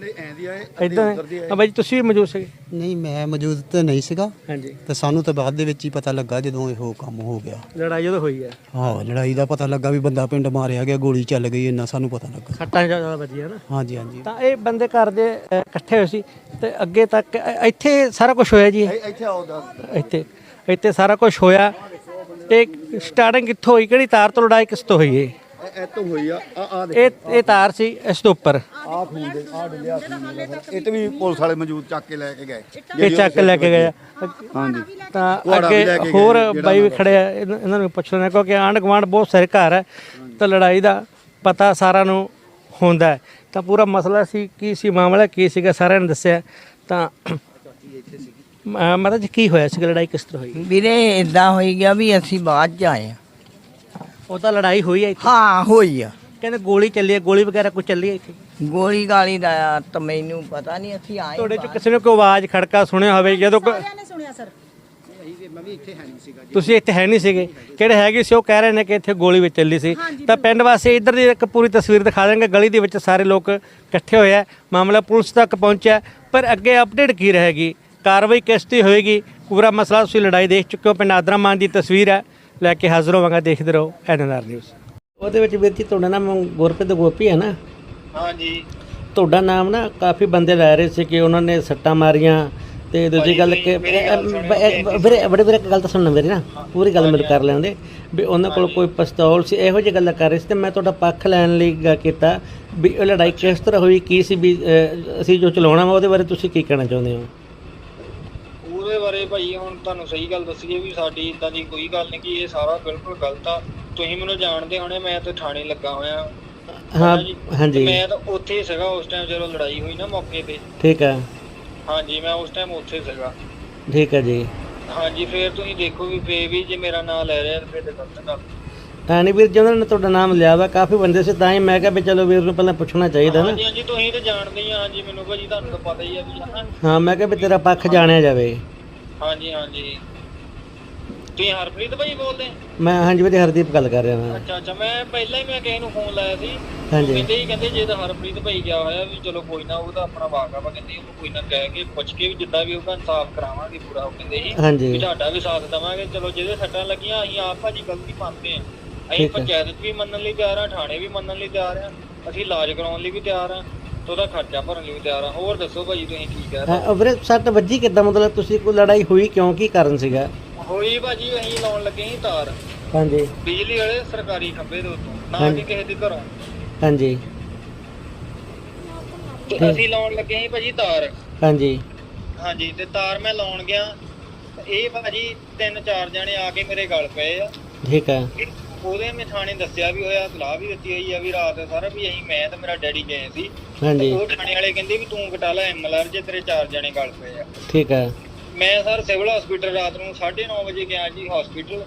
S2: ਇੱਧਰ ਬਾਈ ਜੀ, ਤੁਸੀਂ ਵੀ ਮੌਜੂਦ ਸੀਗੇ?
S16: ਨਹੀਂ, ਮੈਂ ਮੌਜੂਦ ਤਾਂ ਨਹੀਂ ਸੀਗਾ।
S2: ਹਾਂਜੀ।
S16: ਤੇ ਸਾਨੂੰ ਤਾਂ ਬਾਅਦ ਦੇ ਵਿੱਚ ਹੀ ਪਤਾ ਲੱਗਾ ਜਦੋਂ ਇਹੋ ਕੰਮ ਹੋ ਗਿਆ।
S2: ਲੜਾਈ ਜਦੋਂ ਹੋਈ ਹੈ?
S16: ਹਾਂ, ਲੜਾਈ ਦਾ ਪਤਾ ਲੱਗਾ ਵੀ ਬੰਦਾ ਪਿੰਡ ਮਾਰਿਆ ਗਿਆ, ਗੋਲੀ ਚੱਲ ਗਈ, ਇੰਨਾ ਸਾਨੂੰ ਪਤਾ ਲੱਗਾ।
S2: ਸੱਟਾਂ ਜ਼ਿਆਦਾ ਵੱਜੀਆਂ ਨਾ?
S16: ਹਾਂਜੀ ਹਾਂਜੀ।
S2: ਤਾਂ ਇਹ ਬੰਦੇ ਘਰ ਦੇ ਅ, ਇਕੱਠੇ ਹੋਏ ਸੀ, ਤੇ ਅੱਗੇ ਤੱਕ ਇ- ਇੱਥੇ ਸਾਰਾ ਕੁਝ ਹੋਇਆ ਜੀ? ਇੱਥੇ ਇੱਥੇ ਸਾਰਾ ਕੁਝ ਹੋਇਆ। ਤੇ ਸਟਾਰਟਿੰਗ ਕਿੱਥੋਂ ਹੋਈ, ਕਿਹੜੀ ਤਾਰ ਤੋਂ ਲੜਾਈ ਕਿਸ ਤੋਂ ਹੋਈ? ਇਹ
S14: ਇੱਥੋਂ ਹੋਈ ਆ। ਆ
S2: ਇਹ ਇਹ ਤਾਰ ਸੀ ਇਸ ਤੋਂ ਉੱਪਰ,
S14: ਆ ਖੂਨ ਦੇ ਆ ਡਿੱਲਿਆ ਸੀ। ਇਹ ਤੇ ਵੀ ਪੁਲਿਸ ਵਾਲੇ ਮੌਜੂਦ ਚੱਕ ਕੇ ਲੈ ਕੇ ਗਏ।
S2: ਇਹ ਚੱਕ ਲੈ ਕੇ ਗਏ।
S14: ਹਾਂਜੀ।
S2: ਤਾਂ ਅੱਗੇ ਹੋਰ ਬਾਈ ਵੀ ਖੜੇ ਆ, ਇਹਨਾਂ ਇਹਨਾਂ ਨੂੰ ਪੁੱਛ ਲੈਣਾ, ਕਿਉਂਕਿ ਆਂਢ ਗੁਆਂਢ ਬਹੁਤ ਸਾਰੇ ਘਰ ਹੈ। ਤਾਂ ਲੜਾਈ ਦਾ ਪਤਾ ਸਾਰਿਆਂ ਨੂੰ ਹੁੰਦਾ ਹੈ। ਤਾਂ ਪੂਰਾ ਮਸਲਾ ਸੀ, ਕੀ ਸੀ ਮਾਮਲਾ, ਕੀ ਸੀਗਾ, ਸਾਰਿਆਂ ਨੇ ਦੱਸਿਆ। ਤਾਂ ਮਤਲਬ ਕੀ ਹੋਇਆ ਸੀ, ਲੜਾਈ ਕਿਸ ਤਰ੍ਹਾਂ ਹੋਈ?
S8: ਵੀਰੇ ਇਦਾਂ ਹੋਈ ਗਿਆ ਵੀ ਅਸੀਂ ਬਾਅਦ ਚ ਆਏ ਆ।
S2: ਉਹ ਤਾਂ ਲੜਾਈ ਹੋਈ ਹੈ ਇੱਥੇ?
S8: ਹਾਂ, ਹੋਈ ਆ।
S2: ਕਹਿੰਦੇ ਗੋਲੀ ਚੱਲੀ ਹੈ, ਗੋਲੀ ਵਗੈਰਾ ਕੁਝ ਚੱਲੀ ਹੈ ਇੱਥੇ?
S8: ਗੋਲੀ ਗਾਲੀ ਦਾ ਤਾਂ ਮੈਨੂੰ ਪਤਾ ਨਹੀਂ, ਅਸੀਂ ਆਏ।
S2: ਤੁਹਾਡੇ ਚ ਕਿਸੇ ਨੇ ਕੋਈ ਆਵਾਜ਼ ਖੜਕਾ ਸੁਣਿਆ ਹੋਵੇ ਜਦੋਂ ਕੋਈ?
S13: ਸੁਣਿਆ ਸਰ।
S2: ਤੁਸੀਂ ਇੱਥੇ ਹੈ ਨਹੀਂ ਸੀਗੇ? ਕਿਹੜੇ ਹੈਗੇ ਸੀ ਉਹ ਕਹਿ ਰਹੇ ਨੇ ਕਿ ਇੱਥੇ ਗੋਲੀ ਵੀ ਚੱਲੀ ਸੀ। ਤਾਂ ਪਿੰਡ ਵਾਸੀ ਇੱਧਰ ਦੀ ਇੱਕ ਪੂਰੀ ਤਸਵੀਰ ਦਿਖਾ ਦੇਣਗੇ। ਗਲੀ ਦੇ ਵਿੱਚ ਸਾਰੇ ਲੋਕ ਇਕੱਠੇ ਹੋਏ ਆ, ਮਾਮਲਾ ਪੁਲਿਸ ਤੱਕ ਪਹੁੰਚਿਆ, ਪਰ ਅੱਗੇ ਅਪਡੇਟ ਕੀ ਰਹੇਗੀ, ਕਾਰਵਾਈ ਕਿਸ ਦੀ ਹੋਏਗੀ, ਪੂਰਾ ਮਸਲਾ ਤੁਸੀਂ ਲੜਾਈ ਦੇਖ ਚੁੱਕੇ ਹੋ। ਪਿੰਡ ਆਦਰਾ ਮਾਨ ਦੀ ਤਸਵੀਰ ਹੈ, ਲੈ ਕੇ ਹਾਜ਼ਰ ਹੋਵਾਂਗਾ। ਦੇਖਦੇ ਰਹੋ ਐਨ ਐਨ ਆਰ ਨਿਊਜ਼। ਉਹਦੇ ਵਿੱਚ ਵੀਰ ਜੀ ਤੁਹਾਡਾ ਨਾਮ ਗੁਰਪ੍ਰੀਤ ਗੋਪੀ ਹੈ ਨਾ?
S1: ਹਾਂਜੀ।
S2: ਤੁਹਾਡਾ ਨਾਮ ਨਾ ਕਾਫੀ ਬੰਦੇ ਲੈ ਰਹੇ ਸੀ ਕਿ ਉਹਨਾਂ ਨੇ ਸੱਟਾਂ ਮਾਰੀਆਂ। ਤੇ ਦੂਜੀ ਗੱਲ ਕਿ ਵੀਰੇ ਬੜੇ ਵੀਰੇ ਇੱਕ ਗੱਲ ਤਾਂ ਸੁਣਨਾ ਮੇਰੀ ਨਾ, ਪੂਰੀ ਗੱਲ ਮੈਨੂੰ ਕਰ ਲੈਂਦੇ ਵੀ ਉਹਨਾਂ ਕੋਲ ਕੋਈ ਪਿਸਤੌਲ ਸੀ, ਇਹੋ ਜਿਹੀ ਗੱਲਾਂ ਕਰ ਰਹੇ ਸੀ। ਤੇ ਮੈਂ ਤੁਹਾਡਾ ਪੱਖ ਲੈਣ ਲਈ ਗੱਲ ਕੀਤਾ ਵੀ ਇਹ ਲੜਾਈ ਕਿਸ ਤਰ੍ਹਾਂ ਹੋਈ, ਕੀ ਸੀ, ਵੀ ਅਸੀਂ ਜੋ ਚਲਾਉਣਾ ਵਾ ਉਹਦੇ ਬਾਰੇ ਤੁਸੀਂ ਕੀ ਕਹਿਣਾ ਚਾਹੁੰਦੇ ਹੋ?
S1: ਉਹਦੇ ਬਾਰੇ ਭਾਈ ਹੁਣ ਤੁਹਾਨੂੰ ਸਹੀ ਗੱਲ ਦੱਸੀਏ ਵੀ ਸਾਡੀ ਇਦਾਂ ਦੀ ਕੋਈ ਗੱਲ ਨਹੀਂ, ਕਿ ਇਹ ਸਾਰਾ ਬਿਲਕੁਲ ਗਲਤ ਆ। ਤੁਸੀਂ ਮੈਨੂੰ ਜਾਣਦੇ ਹੋਣੇ, ਮੈਂ ਤਾਂ ਥਾਣੇ ਲੱਗਾ ਹੋਇਆ।
S2: ਹਾਂ ਹਾਂਜੀ।
S1: ਮੈਂ ਤਾਂ ਉੱਥੇ ਸੀਗਾ ਉਸ ਟਾਈਮ ਜਦੋਂ ਲੜਾਈ ਹੋਈ ਨਾ, ਮੌਕੇ ਤੇ।
S2: ਠੀਕ ਹੈ।
S1: ਹਾਂਜੀ, ਮੈਂ ਉਸ ਟਾਈਮ ਉੱਥੇ ਸੀਗਾ।
S2: ਠੀਕ ਹੈ ਜੀ।
S1: ਹਾਂਜੀ, ਫਿਰ ਤੁਸੀਂ ਦੇਖੋ ਵੀ ਫੇ ਵੀ ਜੇ ਮੇਰਾ ਨਾਮ ਲੈ ਰਿਹਾ ਫਿਰ ਤੇ ਗਲਤ ਗੱਲ।
S2: ਹਾਂ ਨਹੀਂ ਵੀਰ ਜੀ, ਉਹਨਾਂ ਨੇ ਤੁਹਾਡਾ ਨਾਮ ਲਿਆ ਵਾ, ਕਾਫੀ ਬੰਦੇ ਸੀ, ਤਾਂ ਹੀ ਮੈਂ ਕਿਹਾ ਵੀ ਚਲੋ ਵੀਰ ਨੂੰ ਪਹਿਲਾਂ ਪੁੱਛਣਾ ਚਾਹੀਦਾ ਨਾ।
S1: ਹਾਂਜੀ ਹਾਂਜੀ, ਤੁਸੀਂ ਤਾਂ ਜਾਣਦੇ ਹੀ ਆ। ਹਾਂਜੀ, ਮੈਨੂੰ ਭਾਜੀ ਤੁਹਾਨੂੰ ਤਾਂ ਪਤਾ ਹੀ ਆ ਵੀ ਹਨਾ।
S2: ਹਾਂ, ਮੈਂ ਕਿਹਾ ਵੀ ਤੇਰਾ ਪੱਖ ਜਾਣਿਆ ਜਾਵੇ।
S1: ਹਾਂਜੀ ਹਾਂਜੀ। ਤੁਸੀਂ ਹਰਪ੍ਰੀਤ ਭਾਈ ਬੋਲਦੇ?
S2: ਮੈਂ ਹਾਂਜੀ ਵੀਰੇ ਹਰਦੀਪ ਗੱਲ ਕਰ ਰਿਹਾ ਮੈਂ।
S1: ਅੱਛਾ ਅੱਛਾ, ਮੈਂ ਪਹਿਲਾਂ ਹੀ ਮੈਂ ਕਿਸੇ ਨੂੰ ਫੋਨ ਲਾਇਆ ਸੀ
S2: ਹਾਂਜੀ।
S1: ਕਹਿੰਦੇ ਹੀ ਕਹਿੰਦੇ ਜੇ ਤਾਂ ਹਰਪ੍ਰੀਤ ਭਾਈ ਗਿਆ ਹੋਇਆ ਵੀ ਚਲੋ ਕੋਈ ਨਾ ਉਹਦਾ ਆਪਣਾ ਵਾਕਾ ਵਾ, ਕਹਿੰਦੇ ਉਹਨੂੰ ਕੋਈ ਨਾ ਕਹਿ ਕੇ ਪੁੱਛ ਕੇ ਵੀ ਜਿੱਦਾਂ ਵੀ ਉਹਦਾ ਇਨਸਾਫ ਕਰਾਵਾਂਗੇ ਪੂਰਾ। ਉਹ ਕਹਿੰਦੇ ਸੀ
S2: ਹਾਂਜੀ।
S1: ਵੀ ਤੁਹਾਡਾ ਵੀ ਸਾਥ ਦੇਵਾਂਗੇ। ਚਲੋ ਜਿਹਦੇ ਸੱਟਾਂ ਲੱਗੀਆਂ ਅਸੀਂ ਆਪ ਭਾਜੀ ਗਲਤੀ ਮੰਨਦੇ ਹਾਂ, ਅਸੀਂ
S2: ਠੀਕ ਹੈ।
S1: ਪੰਚਾਇਤ ਵੀ ਮੰਨਣ ਲਈ ਤਿਆਰ ਹਾਂ, ਥਾਣੇ ਵੀ ਮੰਨਣ ਲਈ ਤਿਆਰ ਹਾਂ, ਅਸੀਂ ਇਲਾਜ ਕਰਾਉਣ ਲਈ ਵੀ ਤਿਆਰ ਹਾਂ ਤੇ ਉਹਦਾ ਖਰਚਾ ਭਰਨ ਲਈ ਵੀ ਤਿਆਰ ਹਾਂ। ਹੋਰ ਦੱਸੋ ਭਾਜੀ ਤੁਸੀਂ ਕੀ ਕਹਿ ਰਹੇ?
S2: ਹਾਂ, ਵੀਰੇ ਸੱਟ ਵੱਜੀ ਕਿੱਦਾਂ, ਮਤਲਬ ਤੁਸੀਂ ਕੋਈ ਲੜਾਈ ਹੋਈ ਕਿਉਂ, ਕੀ ਕਾਰਨ ਸੀਗਾ?
S1: ਹੋਈ ਭਾਜੀ ਅਸੀਂ ਲਾਉਣ ਲੱਗੇ ਸੀ ਤਾਰ
S2: ਹਾਂਜੀ।
S1: ਬਿਜਲੀ ਵਾਲੇ ਸਰਕਾਰੀ ਖੰਭੇ ਦੇ ਉੱਤੋਂ, ਨਾ
S2: ਹਾਂਜੀ।
S1: ਕਿ ਕਿਸੇ ਦੇ ਘਰੋਂ।
S2: ਹਾਂਜੀ।
S1: ਤੇ ਅਸੀਂ ਲਾਉਣ ਲੱਗੇ ਸੀ ਭਾਜੀ ਤਾਰ।
S2: ਹਾਂਜੀ।
S1: ਹਾਂਜੀ ਤੇ ਤਾਰ ਮੈਂ ਲਾਉਣ ਗਿਆ, ਇਹ ਭਾਜੀ ਤਿੰਨ ਚਾਰ ਜਣੇ ਆ ਕੇ ਮੇਰੇ ਗਲ ਪਏ ਆ।
S2: ਠੀਕ ਹੈ।
S1: ਉਹਦੇ ਮੈਂ ਥਾਣੇ ਦੱਸਿਆ ਵੀ ਹੋਇਆ, ਸਲਾਹ ਵੀ ਦਿੱਤੀ ਹੋਈ ਆ ਵੀ ਰਾਤ ਸਾਰਾ ਵੀ ਅਸੀਂ ਮੈਂ ਤੇ ਮੇਰਾ ਡੈਡੀ ਗਏ ਸੀ।
S2: ਹਾਂਜੀ।
S1: ਉਹ ਥਾਣੇ ਵਾਲੇ ਕਹਿੰਦੇ ਵੀ ਤੂੰ ਕਟਾ ਲੈ ਐਮ ਐਲ ਆਰ ਜੇ ਤੇਰੇ ਚਾਰ ਜਣੇ ਗਲ ਪਏ ਆ।
S2: ਠੀਕ ਹੈ।
S1: ਮੈਂ ਸਰ ਸਿਵਲ ਹਸਪੀਟਲ ਰਾਤ ਨੂੰ ਸਾਢੇ ਨੌ ਵਜੇ ਗਿਆ ਜੀ ਹਸਪੀਟਲ।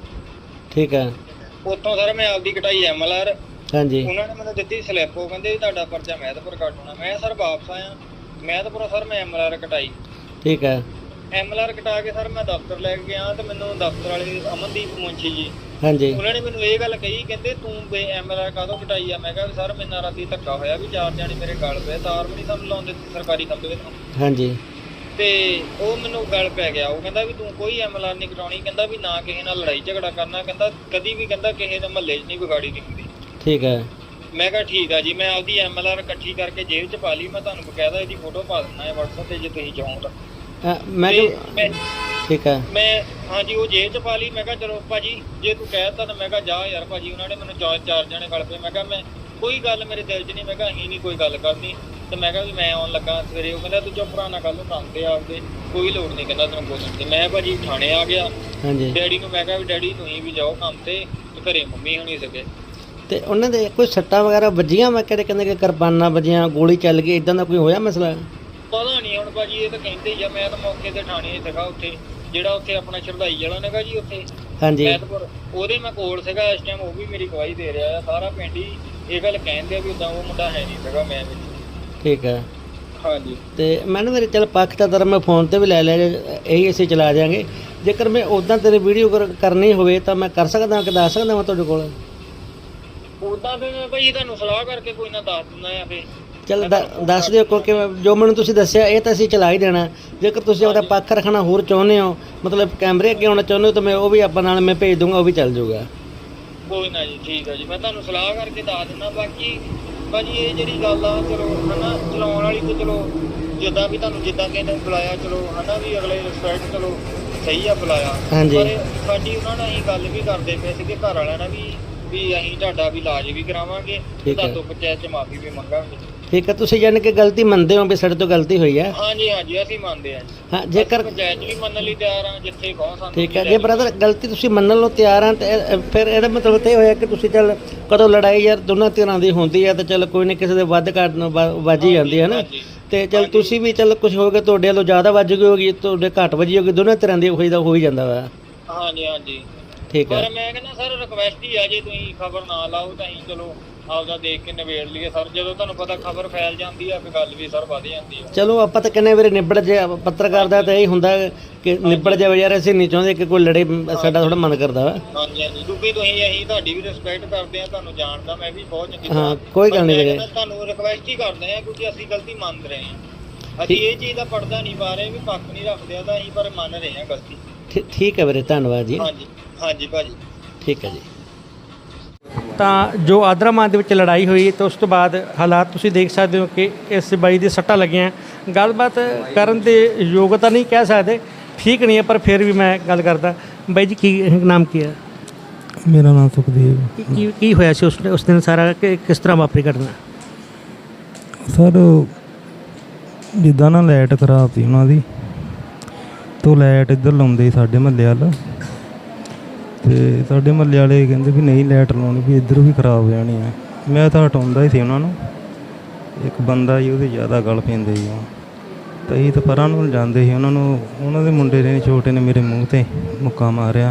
S2: ਠੀਕ ਹੈ।
S1: ਉੱਥੋਂ ਸਰ ਮੈਂ ਆਪਦੀ ਕਟਾਈ ਐਮ ਐਲ ਆਰ।
S2: ਹਾਂਜੀ।
S1: ਉਹਨਾਂ ਨੇ ਮੈਨੂੰ ਦਿੱਤੀ ਸਲਿੱਪ, ਉਹ ਕਹਿੰਦੇ ਵੀ ਤੁਹਾਡਾ ਪਰਚਾ ਮਹਿਤਪੁਰ ਕੱਟ ਹੋਣਾ। ਮੈਂ ਸਰ ਵਾਪਸ ਆਇਆ ਮਹਿਤਪੁਰ, ਸਰ ਮੈਂ ਐਮ ਐਲ ਆਰ ਕਟਾਈ।
S2: ਠੀਕ ਹੈ।
S1: ਐਮ ਐਲ ਆਰ ਕਟਾ ਕੇ ਸਰ ਮੈਂ ਦਫ਼ਤਰ ਲੈ ਕੇ ਗਿਆ ਤੇ ਮੈਨੂੰ ਦਫ਼ਤਰ ਵਾਲੇ ਅਮਨਦੀਪ ਮੁੰਸ਼ੀ ਜੀ,
S2: ਹਾਂਜੀ,
S1: ਉਹਨਾਂ ਨੇ ਮੈਨੂੰ ਇਹ ਗੱਲ ਕਹੀ, ਕਹਿੰਦੇ ਤੂੰ ਬੇ ਐਮ ਐਲ ਆਰ ਕਾਹਦੋਂ ਕਟਾਈ ਆ? ਮੈਂ ਕਿਹਾ ਸਰ ਮੇਰੇ ਨਾਲ ਰਾਤੀ ਧੱਕਾ ਹੋਇਆ ਵੀ ਚਾਰ ਜਣੇ ਮੇਰੇ ਗਲ ਪਏ, ਤਾਰ ਵੀ ਨਹੀਂ ਸਾਨੂੰ ਲਾਉਂਦੇ ਸਰਕਾਰੀ ਖੰਭੇ ਤੋਂ।
S2: ਹਾਂਜੀ।
S1: ਤੇ ਉਹ ਮੈਨੂੰ ਗੱਲ ਪੈ ਗਿਆ, ਉਹ ਕਹਿੰਦਾ ਵੀ ਤੂੰ ਕੋਈ ਐਮ ਐਲ ਆਰ ਨਹੀਂ ਕਟਾਉਣੀ, ਕਹਿੰਦਾ ਵੀ ਨਾ ਕਿਸੇ ਨਾਲ ਲੜਾਈ ਝਗੜਾ ਕਰਨਾ, ਕਹਿੰਦਾ ਕਦੀ ਵੀ ਕਹਿੰਦਾ ਕਿਸੇ ਦੇ ਮਹੱਲੇ 'ਚ ਨਹੀਂ ਵਿਗਾੜੀ ਦੀ ਹੁੰਦੀ।
S2: ਠੀਕ ਹੈ।
S1: ਮੈਂ ਕਿਹਾ ਠੀਕ ਆ ਜੀ। ਮੈਂ ਆਪਦੀ ਐਮ ਐਲ ਆਰ ਇਕੱਠੀ ਕਰਕੇ ਜੇਬ 'ਚ ਪਾ ਲਈ। ਮੈਂ ਤੁਹਾਨੂੰ ਬਕਾਇਦਾ ਇਹਦੀ ਫੋਟੋ ਪਾ ਦਿੰਦਾ ਹੈ WhatsApp ਤੇ ਜੇ ਤੁਸੀਂ ਚਾਹੋ ਤਾਂ।
S2: ਮੈਂ
S1: ਮੈਂ
S2: ਠੀਕ ਹੈ।
S1: ਮੈਂ ਹਾਂਜੀ ਉਹ ਜੇਬ 'ਚ ਪਾ ਲਈ। ਮੈਂ ਕਿਹਾ ਚਲੋ ਭਾਜੀ ਜੇ ਤੂੰ ਕਹਿ ਤਾ ਤਾਂ ਮੈਂ ਕਿਹਾ ਜਾ ਯਾਰ ਭਾਜੀ। ਉਹਨਾਂ ਨੇ ਮੈਨੂੰ ਚਾਰ ਚਾਰ ਜਣੇ ਗਲ ਪਏ। ਮੈਂ ਕਿਹਾ ਮੈਂ ਕੋਈ ਗੱਲ ਮੇਰੇ ਦਿਲ 'ਚ ਨਹੀਂ, ਮੈਂ ਕਿਹਾ ਅਸੀਂ ਨਹੀਂ ਕੋਈ ਗੱਲ ਕਰਨੀ। ਤੇ ਮੈਂ ਕਿਹਾ ਵੀ ਮੈਂ ਆਉਣ ਲੱਗਾ ਸਵੇਰੇ। ਉਹ ਕਹਿੰਦਾ ਤੂੰ ਚੁੱਪ ਰਹਿ ਨਾ, ਕੱਲ ਨੂੰ ਕੰਮ ਤੇ ਆਪਦੇ ਕੋਈ ਲੋੜ ਨਹੀਂ ਕਹਿੰਦਾ ਤੈਨੂੰ ਬੋਲਣ ਦੀ। ਮੈਂ ਭਾਜੀ ਥਾਣੇ ਆ ਗਿਆ।
S2: ਹਾਂਜੀ।
S1: ਡੈਡੀ ਨੂੰ ਮੈਂ ਕਿਹਾ ਵੀ ਡੈਡੀ ਤੁਸੀਂ ਵੀ ਜਾਓ ਕੰਮ ਤੇ, ਤੇ ਘਰੇ ਮੰਮੀ ਹੋਣੀ ਸਕੇ।
S2: ਤੇ ਉਹਨਾਂ ਦੇ ਕੋਈ ਸੱਟਾਂ ਵਗੈਰਾ ਵੱਜੀਆਂ? ਮੈਂ ਕਿਹੜੇ ਕਹਿੰਦੇ ਕਿ ਕਿਰਪਾਨਾਂ ਵੱਜੀਆਂ, ਗੋਲੀ ਚੱਲ ਗਈ, ਇਦਾਂ ਦਾ ਕੋਈ ਹੋਇਆ ਮਸਲਾ?
S1: ਪਤਾ ਨਹੀਂ ਹੁਣ ਭਾਜੀ, ਇਹ ਤਾਂ ਕਹਿੰਦੇ ਹੀ ਆ। ਮੈਂ ਤਾਂ ਮੌਕੇ ਤੇ ਥਾਣੇ ਸੀਗਾ ਉੱਥੇ, ਜਿਹੜਾ ਉੱਥੇ ਆਪਣਾ ਸ਼ਰਧਾਈ ਵਾਲਾ ਨੇਗਾ ਜੀ ਉੱਥੇ
S2: ਹਾਂਜੀ
S1: ਮਹਿਤਪੁਰ, ਉਹਦੇ ਮੈਂ ਕੋਲ ਸੀਗਾ ਇਸ ਟਾਈਮ। ਉਹ ਵੀ ਮੇਰੀ ਗਵਾਹੀ ਦੇ ਰਿਹਾ ਆ। ਸਾਰਾ ਪਿੰਡ ਹੀ ਇਹ ਗੱਲ ਕਹਿੰਦੇ ਆ ਵੀ ਉਦਾਂ ਉਹ ਮੁੰਡਾ ਹੈ ਨਹੀਂ ਸੀਗਾ ਮੈਂ ਵਿੱਚ।
S2: ਠੀਕ ਹੈ।
S1: ਹਾਂਜੀ।
S2: ਤੇ ਮੈਨੂੰ ਮੇਰੇ ਚੱਲ ਪੱਖ ਤਾਂ ਤੇਰਾ ਮੈਂ ਫੋਨ ਤੇ ਵੀ ਲੈ ਲਿਆ, ਇਹੀ ਅਸੀਂ ਚਲਾ ਜਾਵਾਂਗੇ। ਜੇਕਰ ਮੈਂ ਉੱਦਾਂ ਤੇਰੀ ਵੀਡੀਓ ਕਰਨੀ ਹੋਵੇ ਤਾਂ ਮੈਂ ਕਰ ਸਕਦਾ ਕਿ ਦੱਸ ਸਕਦਾ ਮੈਂ ਤੁਹਾਡੇ ਕੋਲ?
S1: ਉੱਦਾਂ ਫਿਰ ਮੈਂ ਭਾਈ ਤੁਹਾਨੂੰ ਸਲਾਹ ਕਰਕੇ ਕੋਈ ਨਾ ਦੱਸ ਦਿੰਦਾ ਆ। ਫਿਰ
S2: ਚੱਲ ਦੱਸ ਦਿਓ, ਕਿਉਂਕਿ ਜੋ ਮੈਨੂੰ ਤੁਸੀਂ ਦੱਸਿਆ ਇਹ ਤਾਂ ਅਸੀਂ ਚਲਾ ਹੀ ਦੇਣਾ। ਜੇਕਰ ਤੁਸੀਂ ਆਪਦਾ ਪੱਖ ਰੱਖਣਾ ਹੋਰ ਚਾਹੁੰਦੇ ਹੋ, ਮਤਲਬ ਕੈਮਰੇ ਅੱਗੇ ਆਉਣਾ ਚਾਹੁੰਦੇ ਹੋ, ਤਾਂ ਮੈਂ ਉਹ ਵੀ ਆਪਾਂ ਨਾਲ ਮੈਂ ਭੇਜ ਦੂੰਗਾ, ਉਹ ਵੀ ਚੱਲ ਜਾਊਗਾ।
S1: ਕੋਈ ਨਾ ਜੀ, ਠੀਕ ਆ ਜੀ। ਮੈਂ ਤੁਹਾਨੂੰ ਸਲਾਹ ਕਰਕੇ ਦੱਸ ਦਿੰਦਾ। ਬਾਕੀ ਭਾਜੀ ਇਹ ਜਿਹੜੀ ਗੱਲ ਆ ਚਲੋ ਹਨਾ ਚਲਾਉਣ ਵਾਲੀ ਤੇ ਚਲੋ ਜਿੱਦਾਂ ਵੀ ਤੁਹਾਨੂੰ ਜਿੱਦਾਂ ਕਿਸੇ ਨੇ ਬੁਲਾਇਆ ਚਲੋ ਹਨਾ ਵੀ ਅਗਲੇ ਰਿਸਪੈਕਟ ਚਲੋ ਸਹੀ ਆ ਬੁਲਾਇਆ।
S2: ਹਾਂਜੀ।
S1: ਪਰ ਸਾਡੀ ਉਹਨਾਂ ਨਾਲ ਅਸੀਂ ਗੱਲ ਵੀ ਕਰਦੇ ਪਏ ਸੀਗੇ ਘਰ ਵਾਲਿਆਂ ਨਾਲ ਵੀ ਵੀ ਅਸੀਂ ਤੁਹਾਡਾ ਵੀ ਇਲਾਜ ਵੀ ਕਰਾਵਾਂਗੇ, ਤੁਹਾਤੋਂ ਪੰਚਾਇਤ 'ਚ ਮਾਫੀ ਵੀ ਮੰਗਾਂਗੇ।
S2: ਠੀਕ ਹੈ। ਤੁਸੀਂ ਜਾਣੀ ਕਿ ਗਲਤੀ ਮੰਨਦੇ ਹੋ ਵੀ ਸਾਡੇ ਤੋਂ ਗਲਤੀ ਹੋਈ ਹੈ?
S1: ਹਾਂਜੀ ਹਾਂਜੀ ਅਸੀਂ ਮੰਨਦੇ ਹਾਂ ਜੀ।
S2: ਹਾਂ, ਜੇਕਰ
S1: ਪੰਚਾਇਤ ਵੀ ਮੰਨਣ ਲਈ ਤਿਆਰ ਹਾਂ ਜਿੱਥੇ ਕਹੋ ਸਾਨੂੰ।
S2: ਠੀਕ ਹੈ। ਜੇ ਬ੍ਰਦਰ ਗਲਤੀ ਤੁਸੀਂ ਮੰਨਣ ਨੂੰ ਤਿਆਰ ਆ ਤੇ ਫਿਰ ਇਹਦਾ ਮਤਲਬ ਇਹ ਹੋਇਆ ਕਿ ਤੁਸੀਂ ਚੱਲ ਕਦੋਂ ਲੜਾਈ ਯਾਰ ਦੋਨਾਂ ਧਿਰਾਂ ਦੀ ਹੁੰਦੀ ਹੈ ਤਾਂ ਚੱਲ ਕੋਈ ਨਾ ਕਿਸੇ ਦੇ ਵੱਧ ਘੱਟ ਵੱਜ ਹੀ ਜਾਂਦੀ ਹੈ ਨਾ। ਤੇ ਚੱਲ ਤੁਸੀਂ ਵੀ ਚੱਲ ਕੁਝ ਹੋ ਗਿਆ, ਤੁਹਾਡੇ ਵੱਲੋਂ ਜ਼ਿਆਦਾ ਵੱਜ ਗਈ ਹੋਗੀ, ਤੁਹਾਡੇ ਘੱਟ ਵੱਜੀ ਹੋਗੀ, ਦੋਨਾਂ ਧਿਰਾਂ ਦੀ ਹੋਈ ਦਾ ਹੋ ਹੀ ਜਾਂਦਾ ਵਾ।
S1: ਹਾਂਜੀ ਹਾਂਜੀ
S2: ਠੀਕ ਹੈ।
S1: ਪਰ ਮੈਂ ਕਹਿੰਦਾ ਸਰ ਰਿਕਵੈਸਟ ਹੀ ਆ, ਜੇ ਤੁਸੀਂ ਖਬਰ ਨਾ ਲਾਓ ਤਾਂ ਅਸੀਂ ਚਲੋ ਆਪਦਾ ਦੇਖ ਕੇ ਨਿਬੇੜ ਲਈਏ ਸਰ। ਜਦੋਂ ਤੁਹਾਨੂੰ ਪਤਾ ਖਬਰ ਫੈਲ ਜਾਂਦੀ ਆ ਫਿਰ ਗੱਲ ਵੀ ਸਰ ਵਧ ਜਾਂਦੀ ਆ।
S2: ਚਲੋ ਆਪਾਂ ਤਾਂ ਕਿੰਨੇ ਵਾਰੀ ਨਿਬੜ ਜਾ, ਪੱਤਰਕਾਰ ਦਾ ਤਾਂ ਇਹ ਹੁੰਦਾ ਕਿ ਨਿਬੜ ਜਾਵੇ ਯਾਰ, ਅਸੀਂ ਨਹੀਂ ਚਾਹੁੰਦੇ ਕਿ ਕੋਈ ਲੜੇ, ਸਾਡਾ ਥੋੜਾ ਮਨ ਕਰਦਾ ਵਾ।
S1: ਹਾਂਜੀ ਹਾਂਜੀ ਕਿਉਂਕਿ ਤੁਸੀਂ ਅਸੀਂ ਤੁਹਾਡੀ ਵੀ ਰਿਸਪੈਕਟ ਕਰਦੇ ਆ, ਤੁਹਾਨੂੰ ਜਾਣਦਾ ਮੈਂ ਵੀ ਬਹੁਤ ਚੰਗੀ
S2: ਹਾਂ ਕੋਈ ਗੱਲ ਨਹੀਂ ਵੀਰੇ,
S1: ਤੁਹਾਨੂੰ ਰਿਕਵੈਸਟ ਹੀ ਕਰਦੇ ਆ ਕਿਉਂਕਿ ਅਸੀਂ ਗਲਤੀ ਮੰਨ ਰਹੇ ਹਾਂ। ਅਸੀਂ ਇਹ ਚੀਜ਼ ਦਾ ਪਰਦਾ ਨਹੀਂ ਪਾ ਰਹੇ ਵੀ ਪੱਖ ਨਹੀਂ ਰੱਖਦੇ ਆ, ਤਾਂ ਅਸੀਂ ਪਰ ਮੰਨ ਰਹੇ ਹਾਂ ਗਲਤੀ।
S2: ਠੀਕ ਹੈ ਵੀਰੇ, ਧੰਨਵਾਦ ਜੀ।
S1: ਹਾਂਜੀ ਹਾਂਜੀ ਭਾਜੀ
S2: ਠੀਕ ਹੈ ਜੀ। ਤਾਂ ਜੋ ਆਦਰਾਮਾਨ ਦੇ ਵਿੱਚ ਲੜਾਈ ਹੋਈ ਤਾਂ ਉਸ ਤੋਂ ਬਾਅਦ ਹਾਲਾਤ ਤੁਸੀਂ ਦੇਖ ਸਕਦੇ ਹੋ ਕਿ ਇਸ ਬਾਈ ਦੀ ਸੱਟਾਂ ਲੱਗੀਆਂ। ਗੱਲਬਾਤ ਕਰਨ ਦੇ ਯੋਗਤਾ ਨਹੀਂ ਕਹਿ ਸਕਦੇ, ਠੀਕ ਨਹੀਂ ਹੈ, ਪਰ ਫਿਰ ਵੀ ਮੈਂ ਗੱਲ ਕਰਦਾ। ਬਾਈ ਜੀ ਕੀ ਨਾਮ ਕੀ ਹੈ?
S17: ਮੇਰਾ ਨਾਮ ਸੁਖਦੇਵ।
S2: ਕੀ ਕੀ ਹੋਇਆ ਸੀ ਉਸ ਉਸ ਦਿਨ ਸਾਰਾ, ਕਿ ਕਿਸ ਤਰ੍ਹਾਂ ਵਾਪਰੀ ਘਟਨਾ?
S17: ਸਰ ਜਿੱਦਾਂ ਨਾ ਲਾਈਟ ਖਰਾਬ ਸੀ ਉਹਨਾਂ ਦੀ, ਤੋਂ ਲਾਈਟ ਇੱਧਰ ਲਾਉਂਦੇ ਸਾਡੇ ਮਹੱਲੇ ਵੱਲ, ਅਤੇ ਸਾਡੇ ਮਹੱਲੇ ਵਾਲੇ ਕਹਿੰਦੇ ਵੀ ਨਹੀਂ ਲਾਈਟ ਲਾਉਣੀ, ਵੀ ਇੱਧਰ ਵੀ ਖਰਾਬ ਹੋ ਜਾਣੀ ਹੈ। ਮੈਂ ਤਾਂ ਹਟਾਉਂਦਾ ਹੀ ਸੀ ਉਹਨਾਂ ਨੂੰ। ਇੱਕ ਬੰਦਾ ਜੀ ਉਹਦੇ ਜ਼ਿਆਦਾ ਗਲ ਪੈਂਦੇ ਜੀ ਉਹ, ਤਾਂ ਅਸੀਂ ਤਾਂ ਪਰਾਂ ਨੂੰ ਜਾਂਦੇ ਸੀ ਉਹਨਾਂ ਨੂੰ। ਉਹਨਾਂ ਦੇ ਮੁੰਡੇ ਨੇ ਛੋਟੇ ਨੇ ਮੇਰੇ ਮੂੰਹ 'ਤੇ ਮੁੱਕਾ ਮਾਰਿਆ।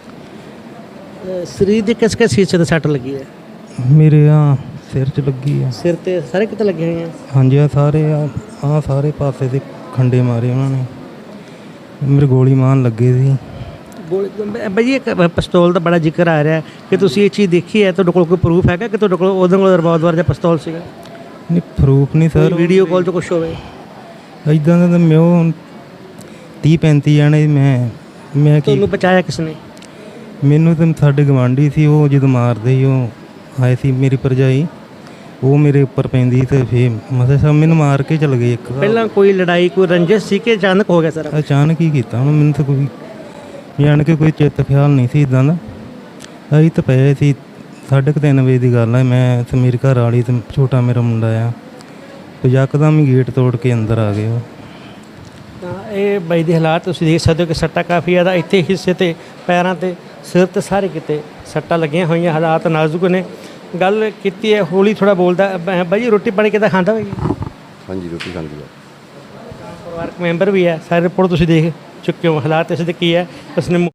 S2: ਸਰੀਰ ਦੀ ਕਿਸ ਕਿਸ ਹਿੱਸੇ 'ਤੇ ਸੱਟ ਲੱਗੀ ਹੈ?
S17: ਮੇਰੇ ਆ ਸਿਰ 'ਚ ਲੱਗੀ ਆ।
S2: ਸਿਰ 'ਤੇ ਸਾਰੇ ਕਿਤੇ ਲੱਗੀਆਂ ਹੋਈਆਂ?
S17: ਹਾਂਜੀ ਆ ਸਾਰੇ ਆ ਆਹ ਸਾਰੇ ਪਾਸੇ ਦੇ ਖੰਡੇ ਮਾਰੇ ਉਹਨਾਂ ਨੇ। ਮੇਰੇ ਗੋਲੀ ਮਾਰਨ ਲੱਗੇ ਸੀ।
S2: ਬਾਈ ਜੀ, ਇੱਕ ਪਿਸਤੌਲ ਦਾ ਬੜਾ ਜ਼ਿਕਰ ਆ ਰਿਹਾ ਕਿ ਤੁਸੀਂ ਇਹ ਚੀਜ਼ ਦੇਖੀ ਹੈ, ਤੁਹਾਡੇ ਕੋਲ ਕੋਈ ਪ੍ਰੂਫ ਹੈਗਾ ਕਿ ਤੁਹਾਡੇ ਕੋਲ ਉਹਦੇ ਕੋਲ ਰਿਵਾਲਵਰ ਜਾਂ ਪਿਸਤੌਲ ਸੀਗਾ?
S17: ਨਹੀਂ, ਪ੍ਰੂਫ ਨਹੀਂ ਸਰ।
S2: ਵੀਡੀਓ ਕਾਲ 'ਚ ਕੁਛ ਹੋਵੇ
S17: ਇਦਾਂ ਦਾ ਤਾਂ ਮੈਂ ਉਹ ਤੀਹ ਪੈਂਤੀ ਜਾਣੇ ਮੈਂ ਮੈਂ ਕੀ
S2: ਤੁਹਾਨੂੰ ਬਚਾਇਆ ਕਿਸ ਨੇ?
S17: ਮੈਨੂੰ ਤਾਂ ਸਾਡੇ ਗਵਾਂਢੀ ਸੀ, ਉਹ ਜਦੋਂ ਮਾਰਦੇ ਸੀ ਉਹ ਆਏ ਸੀ, ਮੇਰੀ ਭਰਜਾਈ ਉਹ ਮੇਰੇ ਉੱਪਰ ਪੈਂਦੀ ਤੇ ਫੇਰ ਮਸੇ ਸਭ ਮੈਨੂੰ ਮਾਰ ਕੇ ਚਲ ਗਏ। ਇੱਕ
S2: ਪਹਿਲਾਂ ਕੋਈ ਲੜਾਈ ਕੋਈ ਰੰਜਿਸ਼ ਸੀ ਕਿ ਅਚਾਨਕ ਹੋ ਗਿਆ ਸਾਰਾ?
S17: ਅਚਾਨਕ ਹੀ ਕੀਤਾ ਹੁਣ, ਮੈਨੂੰ ਤਾਂ ਕੋਈ ਜਾਣ ਕੇ ਕੋਈ ਚਿੱਤ ਖਿਆਲ ਨਹੀਂ ਸੀ ਇੱਦਾਂ ਦਾ। ਅਸੀਂ ਤਾਂ ਪਏ ਸੀ, ਸਾਢੇ ਕੁ ਤਿੰਨ ਵਜੇ ਦੀ ਗੱਲ ਹੈ, ਮੈਂ ਤੇ ਮੇਰੀ ਘਰ ਵਾਲੀ ਤੇ ਛੋਟਾ ਮੇਰਾ ਮੁੰਡਾ ਆ, ਤੇ ਯਕਦਮ ਹੀ ਗੇਟ ਤੋੜ ਕੇ ਅੰਦਰ ਆ ਗਏ ਉਹ।
S2: ਤਾਂ ਇਹ ਬਾਈ ਦੇ ਹਾਲਾਤ ਤੁਸੀਂ ਦੇਖ ਸਕਦੇ ਹੋ ਕਿ ਸੱਟਾਂ ਕਾਫੀ ਜ਼ਿਆਦਾ ਇੱਥੇ ਹਿੱਸੇ ਤੇ, ਪੈਰਾਂ ਤੇ, ਸਿਰ ਤੇ, ਸਾਰੇ ਕਿਤੇ ਸੱਟਾਂ ਲੱਗੀਆਂ ਹੋਈਆਂ। ਹਾਲਾਤ ਨਾਜ਼ੁਕ ਨੇ। ਗੱਲ ਕੀਤੀ ਹੈ, ਹੌਲੀ ਥੋੜਾ ਬੋਲਦਾ। ਬ- ਬਾਈ ਜੀ, ਰੋਟੀ ਪਾਣੀ ਕਿੱਦਾਂ ਖਾਂਦਾ ਬਾਈ?
S18: ਹਾਂਜੀ, ਰੋਟੀ ਖਾਂਦੀ ਆ।
S2: ਪਰਿਵਾਰਕ ਮੈਂਬਰ ਵੀ ਹੈ, ਸਾਰੇ ਰਿਪੋਰਟ ਤੁਸੀਂ ਦੇਖ ਚੁੱਕੇ ਹੋ। ਹਾਲਾਤ ਇਸ ਦੇ ਕੀ ਹੈ, ਉਸਨੇ